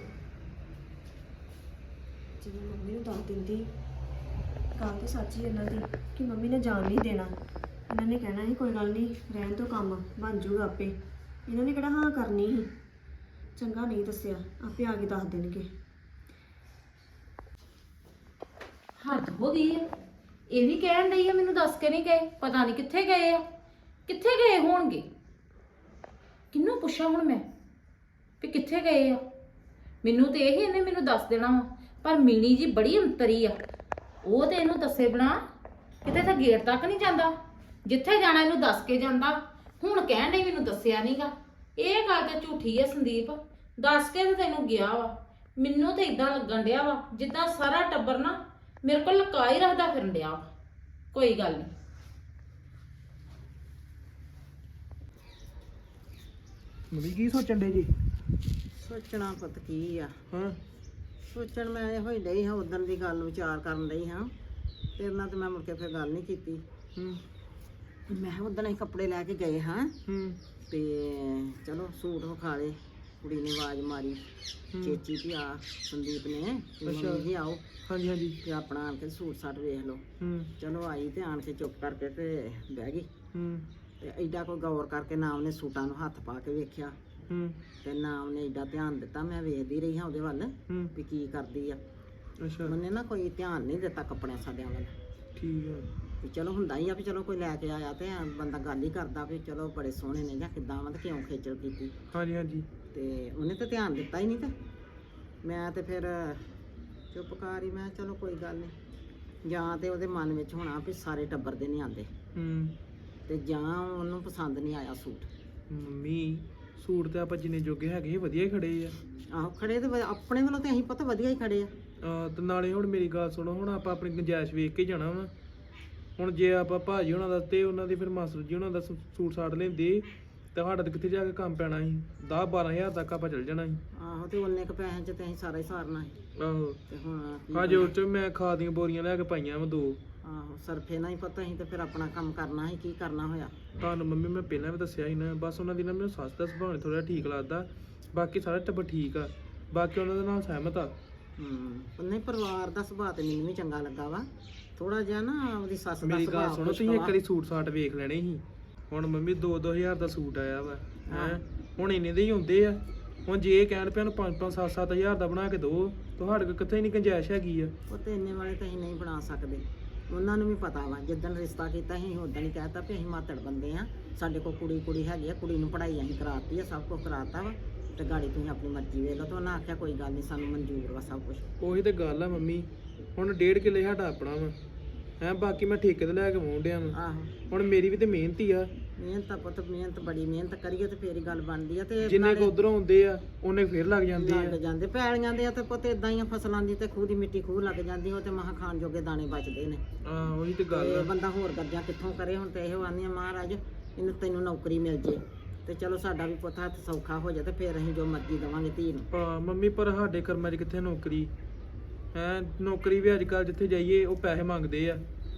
ਜਿਵੇਂ ਮੰਮੀ ਨੂੰ ਦੱਸ ਦਿੰਦੀ ਗੱਲ ਤਾਂ ਸੱਚ ਹੀ ਇਹਨਾਂ ਦੀ ਕਿ ਮੰਮੀ ਨੇ ਜਾਣ ਨਹੀਂ ਦੇਣਾ। ਇਹਨਾਂ ਨੇ ਕਹਿਣਾ ਸੀ ਕੋਈ ਗੱਲ ਨਹੀਂ ਰਹਿਣ ਤੋਂ ਕੰਮ ਬਣ ਜੂਗਾ ਆਪੇ। ਇਹਨਾਂ ਨੇ ਕਿਹੜਾ ਹਾਂ ਕਰਨੀ ਸੀ। ਚੰਗਾ ਨਹੀਂ ਦੱਸਿਆ, ਆਪੇ ਆ ਕੇ ਦੱਸ ਦੇਣਗੇ।
ਹੱਦ ਹੋ ਗਈ ਆ, ਇਹ ਵੀ ਕਹਿਣ ਡਈ ਆ ਮੈਨੂੰ ਦੱਸ ਕੇ ਨਹੀਂ ਗਏ। ਪਤਾ ਨਹੀਂ ਕਿੱਥੇ ਗਏ ਆ, ਕਿੱਥੇ ਗਏ ਹੋਣਗੇ। ਕਿਹਨੂੰ ਪੁੱਛਾਂ ਹੁਣ ਮੈਂ ਵੀ ਕਿੱਥੇ ਗਏ ਆ? ਮੈਨੂੰ ਤੇ ਇਹ ਇਹਨੇ ਮੈਨੂੰ ਦੱਸ ਦੇਣਾ ਵਾ, ਪਰ ਮੀਣੀ ਜੀ ਬੜੀ ਅੰਤਰੀ ਆ। ਉਹ ਤੇ ਇਹਨੂੰ ਦੱਸੇ ਬਣਾ ਕਿਤੇ ਤਾਂ ਗੇਟ ਤੱਕ ਨਹੀਂ ਜਾਂਦਾ, ਜਿੱਥੇ ਜਾਣਾ ਇਹਨੂੰ ਦੱਸ ਕੇ ਜਾਂਦਾ। ਹੁਣ ਕਹਿਣ ਡਈ ਮੈਨੂੰ ਦੱਸਿਆ ਨਹੀਂਗਾ। ਇਹ ਗੱਲ ਤਾਂ ਝੂਠੀ ਆ ਸੰਦੀਪ, ਦੱਸ ਕੇ ਤੇ ਤੈਨੂੰ ਗਿਆ ਵਾ। ਮੈਨੂੰ ਤੇ ਇਦਾਂ ਲੱਗਣ ਡਿਆ ਵਾ ਜਿੱਦਾਂ ਸਾਰਾ ਟੱਬਰ ਨਾ ਮੇਰੇ ਕੋਲ ਲੁਕਾ ਹੀ ਰੱਖਦਾ ਫਿਰਨ ਡਿਆ ਵਾ। ਕੋਈ ਗੱਲ ਨਹੀਂ।
ਮੰਮੀ ਕੀ ਸੋਚਣ ਡੇ ਜੀ?
ਸੋਚਣਾ ਪੁੱਤ ਕੀ ਆ?
ਹਾਂ
ਸੋਚਣ ਮੈਂ ਇਹੋ ਹੀ ਡਈ ਹਾਂ, ਉਦੋਂ ਦੀ ਗੱਲ ਵਿਚਾਰ ਕਰਨ ਡਈ ਹਾਂ। ਤੇਰੇ ਨਾਲ ਤੇ ਮੈਂ ਮੁੜ ਕੇ ਫਿਰ ਗੱਲ ਨਹੀਂ ਕੀਤੀ। ਮੈਂ ਉਦੋਂ ਹੀ ਕੱਪੜੇ ਲੈ ਕੇ ਗਏ ਹਾਂ ਤੇ ਚਲੋ ਸੂਟ ਵਿਖਾ ਲਏ। ਕੁੜੀ ਨੇ ਆਵਾਜ਼ ਮਾਰੀ ਚੇਚੀ ਵੀ ਆ ਸੰਦੀਪ ਨੇ ਵੀ ਮੰਮੀ ਜੀ ਆਓ।
ਹਾਂਜੀ
ਤੇ ਆਪਣਾ ਆਣ ਕੇ ਸੂਟ ਸਾਟ ਵੇਖ ਲਓ। ਚਲੋ ਆਈ ਤੇ ਆਣ ਕੇ ਚੁੱਪ ਕਰਕੇ ਤੇ ਬਹਿ ਗਈ। ਤੇ ਐਡਾ ਕੋਈ ਗੌਰ ਕਰਕੇ ਨਾ ਉਹਨੇ ਸੂਟਾਂ ਨੂੰ ਹੱਥ ਪਾ ਕੇ ਵੇਖਿਆ ਤੇ ਨਾ ਉਹਨੇ ਐਡਾ ਧਿਆਨ ਦਿੱਤਾ। ਮੈਂ ਵੇਖਦੀ ਰਹੀ ਹਾਂ ਉਹਦੇ ਵੱਲ ਵੀ ਕੀ ਕਰਦੀ ਆ।
ਅੱਛਾ
ਉਹਨੇ ਨਾ ਕੋਈ ਧਿਆਨ ਨਹੀਂ ਦਿੱਤਾ ਕੱਪੜਿਆਂ ਸਾਡਿਆਂ ਵੱਲ।
ਠੀਕ ਆ।
ਵੀ ਚਲੋ ਹੁੰਦਾ ਹੀ ਆ ਵੀ ਚਲੋ ਕੋਈ ਲੈ ਕੇ ਆਇਆ ਤੇ ਬੰਦਾ ਗੱਲ ਹੀ ਕਰਦਾ ਵੀ ਚਲੋ ਬੜੇ ਸੋਹਣੇ ਨੇ ਜਾਂ ਕਿੱਦਾਂ ਵਾ ਤੇ ਕਿਉਂ ਖੇਚਲ ਕੀਤੀ।
ਹਾਂਜੀ
ਤੇ ਉਹਨੇ ਤਾਂ ਧਿਆਨ ਦਿੱਤਾ ਹੀ ਨਹੀਂ। ਤੇ ਮੈਂ ਤੇ ਫਿਰ ਚੁੱਪ ਕਰ ਹੀ, ਮੈਂ ਚਲੋ ਕੋਈ ਗੱਲ ਨਹੀਂ। ਜਾਂ ਤੇ ਉਹਦੇ ਮਨ ਵਿੱਚ ਹੋਣਾ ਵੀ ਸਾਰੇ ਟੱਬਰ ਦੇ ਨਹੀਂ ਆਉਂਦੇ ਤੇ ਜਾਂ ਉਹਨੂੰ ਪਸੰਦ ਨਹੀਂ ਆਇਆ ਸੂਟ।
ਮੰਮੀ ਸੂਟ ਤੇ ਆਪਾਂ ਜਿੰਨੇ ਜੋਗੇ ਹੈਗੇ ਵਧੀਆ ਹੀ ਖੜੇ ਆ।
ਆਹੋ ਖੜੇ ਤੇ ਆਪਣੇ ਵੱਲੋਂ ਤੇ ਅਸੀਂ ਪਤਾ ਵਧੀਆ ਹੀ ਖੜੇ ਆ।
ਤੇ ਨਾਲੇ ਹੁਣ ਮੇਰੀ ਗੱਲ ਸੁਣੋ, ਹੁਣ ਆਪਾਂ ਆਪਣੀ ਗੁੰਜਾਇਸ਼ ਵੇਖ ਕੇ ਜਾਣਾ ਵਾ। ਹੁਣ ਜੇ ਆਪਾਂ ਭਾਜੀ ਉਹਨਾਂ ਦਾ ਤੇ ਉਹਨਾਂ ਦੀ ਫਿਰ ਮਾਸਟਰ ਜੀ ਉਹਨਾਂ ਦਾ ਸੂਟ ਸਾਟ ਲੈਂਦੇ ਤੇ ਸਾਡਾ ਤੇ ਕਿੱਥੇ ਜਾ ਕੇ ਕੰਮ ਪੈਣਾ ਸੀ। 10-12 ਹਜ਼ਾਰ ਤੱਕ ਆਪਾਂ ਚੱਲ ਜਾਣਾ ਸੀ।
ਆਹੋ ਤੇ ਉਹਨੇ ਕ ਪੈਸਿਆਂ 'ਚ ਤੇ ਅਸੀਂ ਸਾਰਾ ਹੀ ਸਾਰਨਾ ਸੀ।
ਆਹੋ
ਤੇ ਹੁਣ
ਹਾਂ ਜੋ ਚ ਮੈਂ ਖਾਦ ਦੀਆਂ ਬੋਰੀਆਂ ਲੈ ਕੇ ਪਾਈਆਂ ਵਾ 2।
ਆਹੋ ਸਰਫੇ ਨਾਲ ਹੀ ਪਤਾ ਅਸੀਂ ਤੇ ਫਿਰ ਆਪਣਾ ਕੰਮ ਕਰਨਾ ਸੀ। ਕੀ ਕਰਨਾ ਹੋਇਆ?
ਤੁਹਾਨੂੰ ਮੰਮੀ ਮੈਂ ਪਹਿਲਾਂ ਵੀ ਦੱਸਿਆ ਸੀ ਨਾ, ਬਸ ਉਹਨਾਂ ਦੀ ਨਾ ਮੈਨੂੰ ਸੱਸ ਦਾ ਸੁਭਾਅ ਥੋੜਾ ਠੀਕ ਲੱਗਦਾ। ਬਾਕੀ ਸਾਰਾ ਟੱਬਰ ਠੀਕ ਆ, ਬਾਕੀ ਉਹਨਾਂ ਦੇ ਨਾਲ ਸਹਿਮਤ ਆ।
ਨਹੀਂ ਪਰਿਵਾਰ ਦਾ ਸੁਭਾਅ ਤੇ ਮੈਨੂੰ ਵੀ ਚੰਗਾ ਲੱਗਾ ਵਾ। ਥੋੜਾ ਜਿਹਾ ਨਾ ਉਹਦੀ ਸੱਸ ਦਾ
ਮੇਰੀ ਗੱਲ
ਸੁਭਾਅ
ਸੁਣੋ, ਤੁਸੀਂ ਇੱਕ ਵਾਰੀ ਸੂਟ ਸਾਟ ਵੇਖ ਲੈਣੇ ਸੀ। ਹੁਣ ਮੰਮੀ 2-2 ਹਜ਼ਾਰ ਦਾ ਸੂਟ ਆਇਆ ਵਾ ਹੈ, ਹੁਣ ਇੰਨੇ ਦੇ ਹੀ ਹੁੰਦੇ ਆ। ਹੁਣ ਜੇ ਇਹ ਕਹਿਣ ਪਿਆ ਨੂੰ 5-5 7-7 ਹਜ਼ਾਰ ਦਾ ਬਣਾ ਕੇ ਦਿਓ, ਤੁਹਾਡੇ ਕੋਲ ਕਿੱਥੇ ਨਹੀਂ ਗੁੰਜਾਇਸ਼ ਹੈਗੀ ਆ।
ਉਹ ਤੇ ਇੰਨੇ ਵਾਲੇ ਤਾਂ ਅਸੀਂ ਨਹੀਂ ਬਣਾ ਸਕਦੇ। ਉਹਨਾਂ ਨੂੰ ਵੀ ਪਤਾ ਵਾ, ਜਿੱਦਣ ਰਿਸ਼ਤਾ ਕੀਤਾ ਅਸੀਂ ਉਦੋਂ ਹੀ ਕਹਿਤਾ ਵੀ ਅਸੀਂ ਮਾਤੜ ਬੰਦੇ ਆ, ਸਾਡੇ ਕੋਲ ਕੁੜੀ ਹੈਗੀ ਆ, ਕੁੜੀ ਨੂੰ ਪੜ੍ਹਾਈ ਅਸੀਂ ਕਰਾਤੀ ਆ, ਸਭ ਕੁਝ ਕਰਾਤਾ ਵਾ ਤੇ ਗਾੜੀ ਤੁਸੀਂ ਆਪਣੀ ਮਰਜ਼ੀ ਵੇਖ ਲਓ। ਤੇ ਉਹਨਾਂ ਆਖਿਆ ਕੋਈ ਗੱਲ ਨਹੀਂ, ਸਾਨੂੰ ਮਨਜ਼ੂਰ ਵਾ ਸਭ ਕੁਝ।
ਉਹੀ ਤੇ ਗੱਲ ਆ ਮੰਮੀ, ਹੁਣ 1.5 ਕਿੱਲੇ ਸਾਡਾ ਆਪਣਾ ਵਾ ਹੈ, ਬਾਕੀ ਮੈਂ ਠੇਕੇ ਤੇ ਲੈ ਕੇ ਵਾਉਂਦਿਆ ਵਾ।
ਆਹੋ
ਹੁਣ ਮੇਰੀ ਵੀ ਤੇ ਮਿਹਨਤ ਹੀ ਆ।
ਮਿਹਨਤ ਆ ਪੁੱਤ, ਮਿਹਨਤ ਬੜੀ ਮਿਹਨਤ ਕਰੀਏ ਤੇ ਫੇਰ ਹੀ ਗੱਲ ਬਣਦੀ ਆ। ਤੇ
ਜਿੰਨੇ ਕੋ ਉਧਰੋਂ ਆਉਂਦੇ ਆ ਉਹਨੇ ਫੇਰ ਲੱਗ ਜਾਂਦੇ ਆ।
ਲੱਗ ਜਾਂਦੇ ਪੈਲੀਆਂ ਦੇ ਆ ਤੇ ਪੁੱਤ ਇਦਾਂ ਹੀ ਆ, ਫਸਲਾਂ ਦੀ ਤੇ ਖੂਹ ਦੀ ਮਿੱਟੀ ਖੂਹ ਲੱਗ ਜਾਂਦੀ। ਉਹ ਤੇ ਮਹਾਂ ਖਾਣ ਜੋਗੇ ਦਾਣੇ ਬਚਦੇ ਨੇ।
ਹਾਂ ਉਹੀ ਤੇ ਗੱਲ
ਤੇ
ਆ।
ਬੰਦਾ ਹੋਰ ਕਰਜ਼ਾ ਕਿੱਥੋਂ ਕਰੇ? ਹੁਣ ਤੇ ਇਹੋ ਆਂਦੀਆਂ ਮਹਾਰਾਜ ਇਹਨੂੰ ਤੈਨੂੰ ਨੌਕਰੀ ਮਿਲ ਜੇ ਤੇ ਚਲੋ ਸਾਡਾ ਵੀ ਪੁੱਤ ਹੱਥ ਸੌਖਾ ਹੋ ਜਾ ਤੇ ਫੇਰ ਅਸੀਂ ਜੋ ਮਰਜ਼ੀ ਦੇਵਾਂਗੇ ਧੀ ਨੂੰ।
ਹਾਂ ਮੰਮੀ, ਪਰ ਸਾਡੇ ਕਰਮਾਂ 'ਚ ਕਿੱਥੇ ਨੌਕਰੀ ਹੈ? ਨੌਕਰੀ ਵੀ ਅੱਜ ਕੱਲ੍ਹ ਜਿੱਥੇ ਜਾਈਏ ਉਹ ਪੈਸੇ ਮੰਗਦੇ ਆ।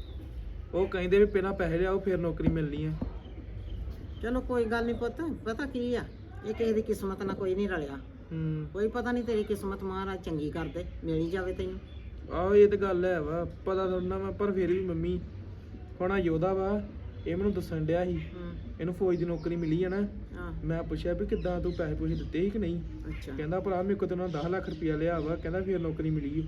ਉਹ ਕਹਿੰਦੇ ਵੀ ਪਹਿਲਾਂ ਪੈਸੇ ਲਿਆਓ ਫਿਰ ਨੌਕਰੀ ਮਿਲਣੀ ਆ।
ਚਲੋ ਕੋਈ ਗੱਲ ਨਹੀਂ ਪੁੱਤ, ਪਤਾ ਕੀ ਆ, ਇਹ ਕਿਸੇ ਦੀ ਕਿਸਮਤ ਨਾਲ ਕੋਈ ਨਹੀਂ ਰਲਿਆ। ਕੋਈ ਪਤਾ ਨਹੀਂ ਤੇਰੀ ਕਿਸਮਤ ਮਹਾਰਾਜ ਚੰਗੀ ਕਰਦੇ, ਮਿਲ ਹੀ ਜਾਵੇ ਤੈਨੂੰ।
ਆਹੋ ਇਹ ਤੇ ਗੱਲ ਹੈ ਵਾ, ਪਤਾ ਥੋੜ੍ਹਾ ਵਾ, ਪਰ ਫਿਰ ਵੀ ਮੰਮੀ ਹੁਣ ਯੋਧਾ ਵਾ, ਇਹ ਮੈਨੂੰ ਦੱਸਣ ਡਿਆ ਸੀ ਇਹਨੂੰ ਫੌਜ ਦੀ ਨੌਕਰੀ ਮਿਲੀ ਆ ਨਾ। ਮੈਂ ਪੁੱਛਿਆ ਵੀ ਕਿੱਦਾਂ ਤੂੰ ਪੈਸੇ ਪੂਸੇ ਦਿੱਤੇ ਸੀ ਕਿ ਨਹੀਂ?
ਅੱਛਾ।
ਕਹਿੰਦਾ ਭਰਾ ਮੇਰੇ ਕੋਲ ਤੇ ਉਹਨਾਂ 10 ਲੱਖ ਰੁਪਇਆ ਲਿਆ ਵਾ, ਕਹਿੰਦਾ ਫਿਰ ਨੌਕਰੀ ਮਿਲੀ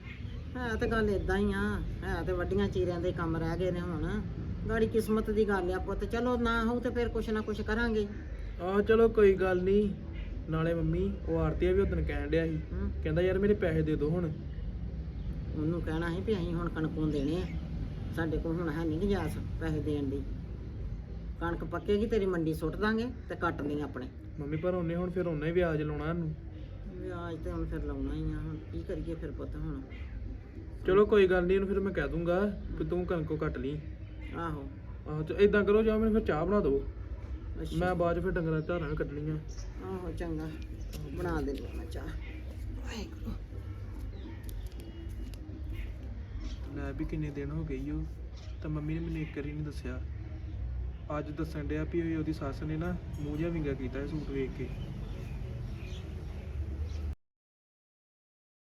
ਹੈ ਤੇ ਗੱਲ ਇਦਾਂ ਹੀ ਆ, ਹੈ ਤੇ ਵੱਡੀਆਂ ਚੀਰਿਆਂ ਦੇ ਕੰਮ ਰਹਿ ਗਏ ਨੇ। ਹੁਣ ਗਾੜੀ ਕਿਸਮਤ ਦੀ ਗੱਲ ਆ ਪੁੱਤ, ਚਲੋ ਨਾ ਹੋਊ ਤੇ ਫਿਰ ਕੁਛ ਨਾ ਕੁਛ ਕਰਾਂਗੇ।
ਆਹ ਚਲੋ ਕੋਈ ਗੱਲ ਨਹੀਂ। ਨਾਲੇ ਮੰਮੀ ਉਹ ਆਰਤੀ ਵੀ ਉਦੋਂ ਕਹਿਣ ਡਿਆ ਸੀ, ਕਹਿੰਦਾ ਯਾਰ ਮੇਰੇ ਪੈਸੇ ਦੇ ਦਿਓ। ਹੁਣ
ਉਹਨੂੰ ਕਹਿਣਾ ਸੀ ਵੀ ਅਸੀਂ ਹੁਣ ਕਣਕੋਂ ਦੇਣੇ ਆ, ਸਾਡੇ ਕੋਲ ਹੁਣ ਹੈ ਨਹੀਂ ਗੁੰਜਾਇਸ਼ ਪੈਸੇ ਦੇਣ ਦੀ। ਕਣਕ ਪੱਕੇਗੀ ਤੇਰੀ ਮੰਡੀ ਸੁੱਟ ਦਾਂਗੇ ਤੇ ਕੱਟ ਲਈ ਆਪਣੇ।
ਮੰਮੀ ਪਰ ਉਹਨੇ ਹੁਣ ਫਿਰ ਉਹਨੇ ਵਿਆਜ ਲਾਉਣਾ ਇਹਨੂੰ।
ਵਿਆਜ ਤੇ ਹੁਣ ਫਿਰ ਲਾਉਣਾ ਹੀ ਆ, ਹੁਣ ਕੀ ਕਰੀਏ ਫਿਰ ਪੁੱਤ ਹੁਣ।
ਚਲੋ ਕੋਈ ਗੱਲ ਨਹੀਂ, ਇਹਨੂੰ ਫਿਰ ਮੈਂ ਕਹਿ ਦੂੰਗਾ ਕਿ ਤੂੰ ਕਣਕੋਂ ਕੱਟ ਲਈ।
ਆਹੋ
ਆਹੋ ਤੇ ਇਦਾਂ ਕਰੋ, ਜਾਂ ਮੈਨੂੰ ਫਿਰ ਚਾਹ ਬਣਾ ਦਿਓ,
ਅੱਛਾ
ਮੈਂ ਬਾਅਦ 'ਚ ਫਿਰ ਡੰਗਰਾਂ ਧਾਰਾਂ ਵੀ ਕੱਢਣੀਆਂ।
ਆਹੋ ਚੰਗਾ ਬਣਾ ਦੇ ਮੈਂ ਚਾਹ। ਵਾਹਿਗੁਰੂ।
ਲੈ ਵੀ ਕਿੰਨੇ ਦਿਨ ਹੋ ਗਏ ਉਹ, ਤਾਂ ਮੰਮੀ ਨੇ ਮੈਨੂੰ ਇੱਕ ਵਾਰੀ ਨਹੀਂ ਦੱਸਿਆ। ਅੱਜ ਦੱਸਣ ਡਿਆ ਵੀ ਉਹਦੀ ਸੱਸ ਨੇ ਨਾ ਮੂੰਹ ਜਿਹਾ ਵਿੰਗਾ ਕੀਤਾ ਇਹ ਸੂਟ ਵੇਖ ਕੇ।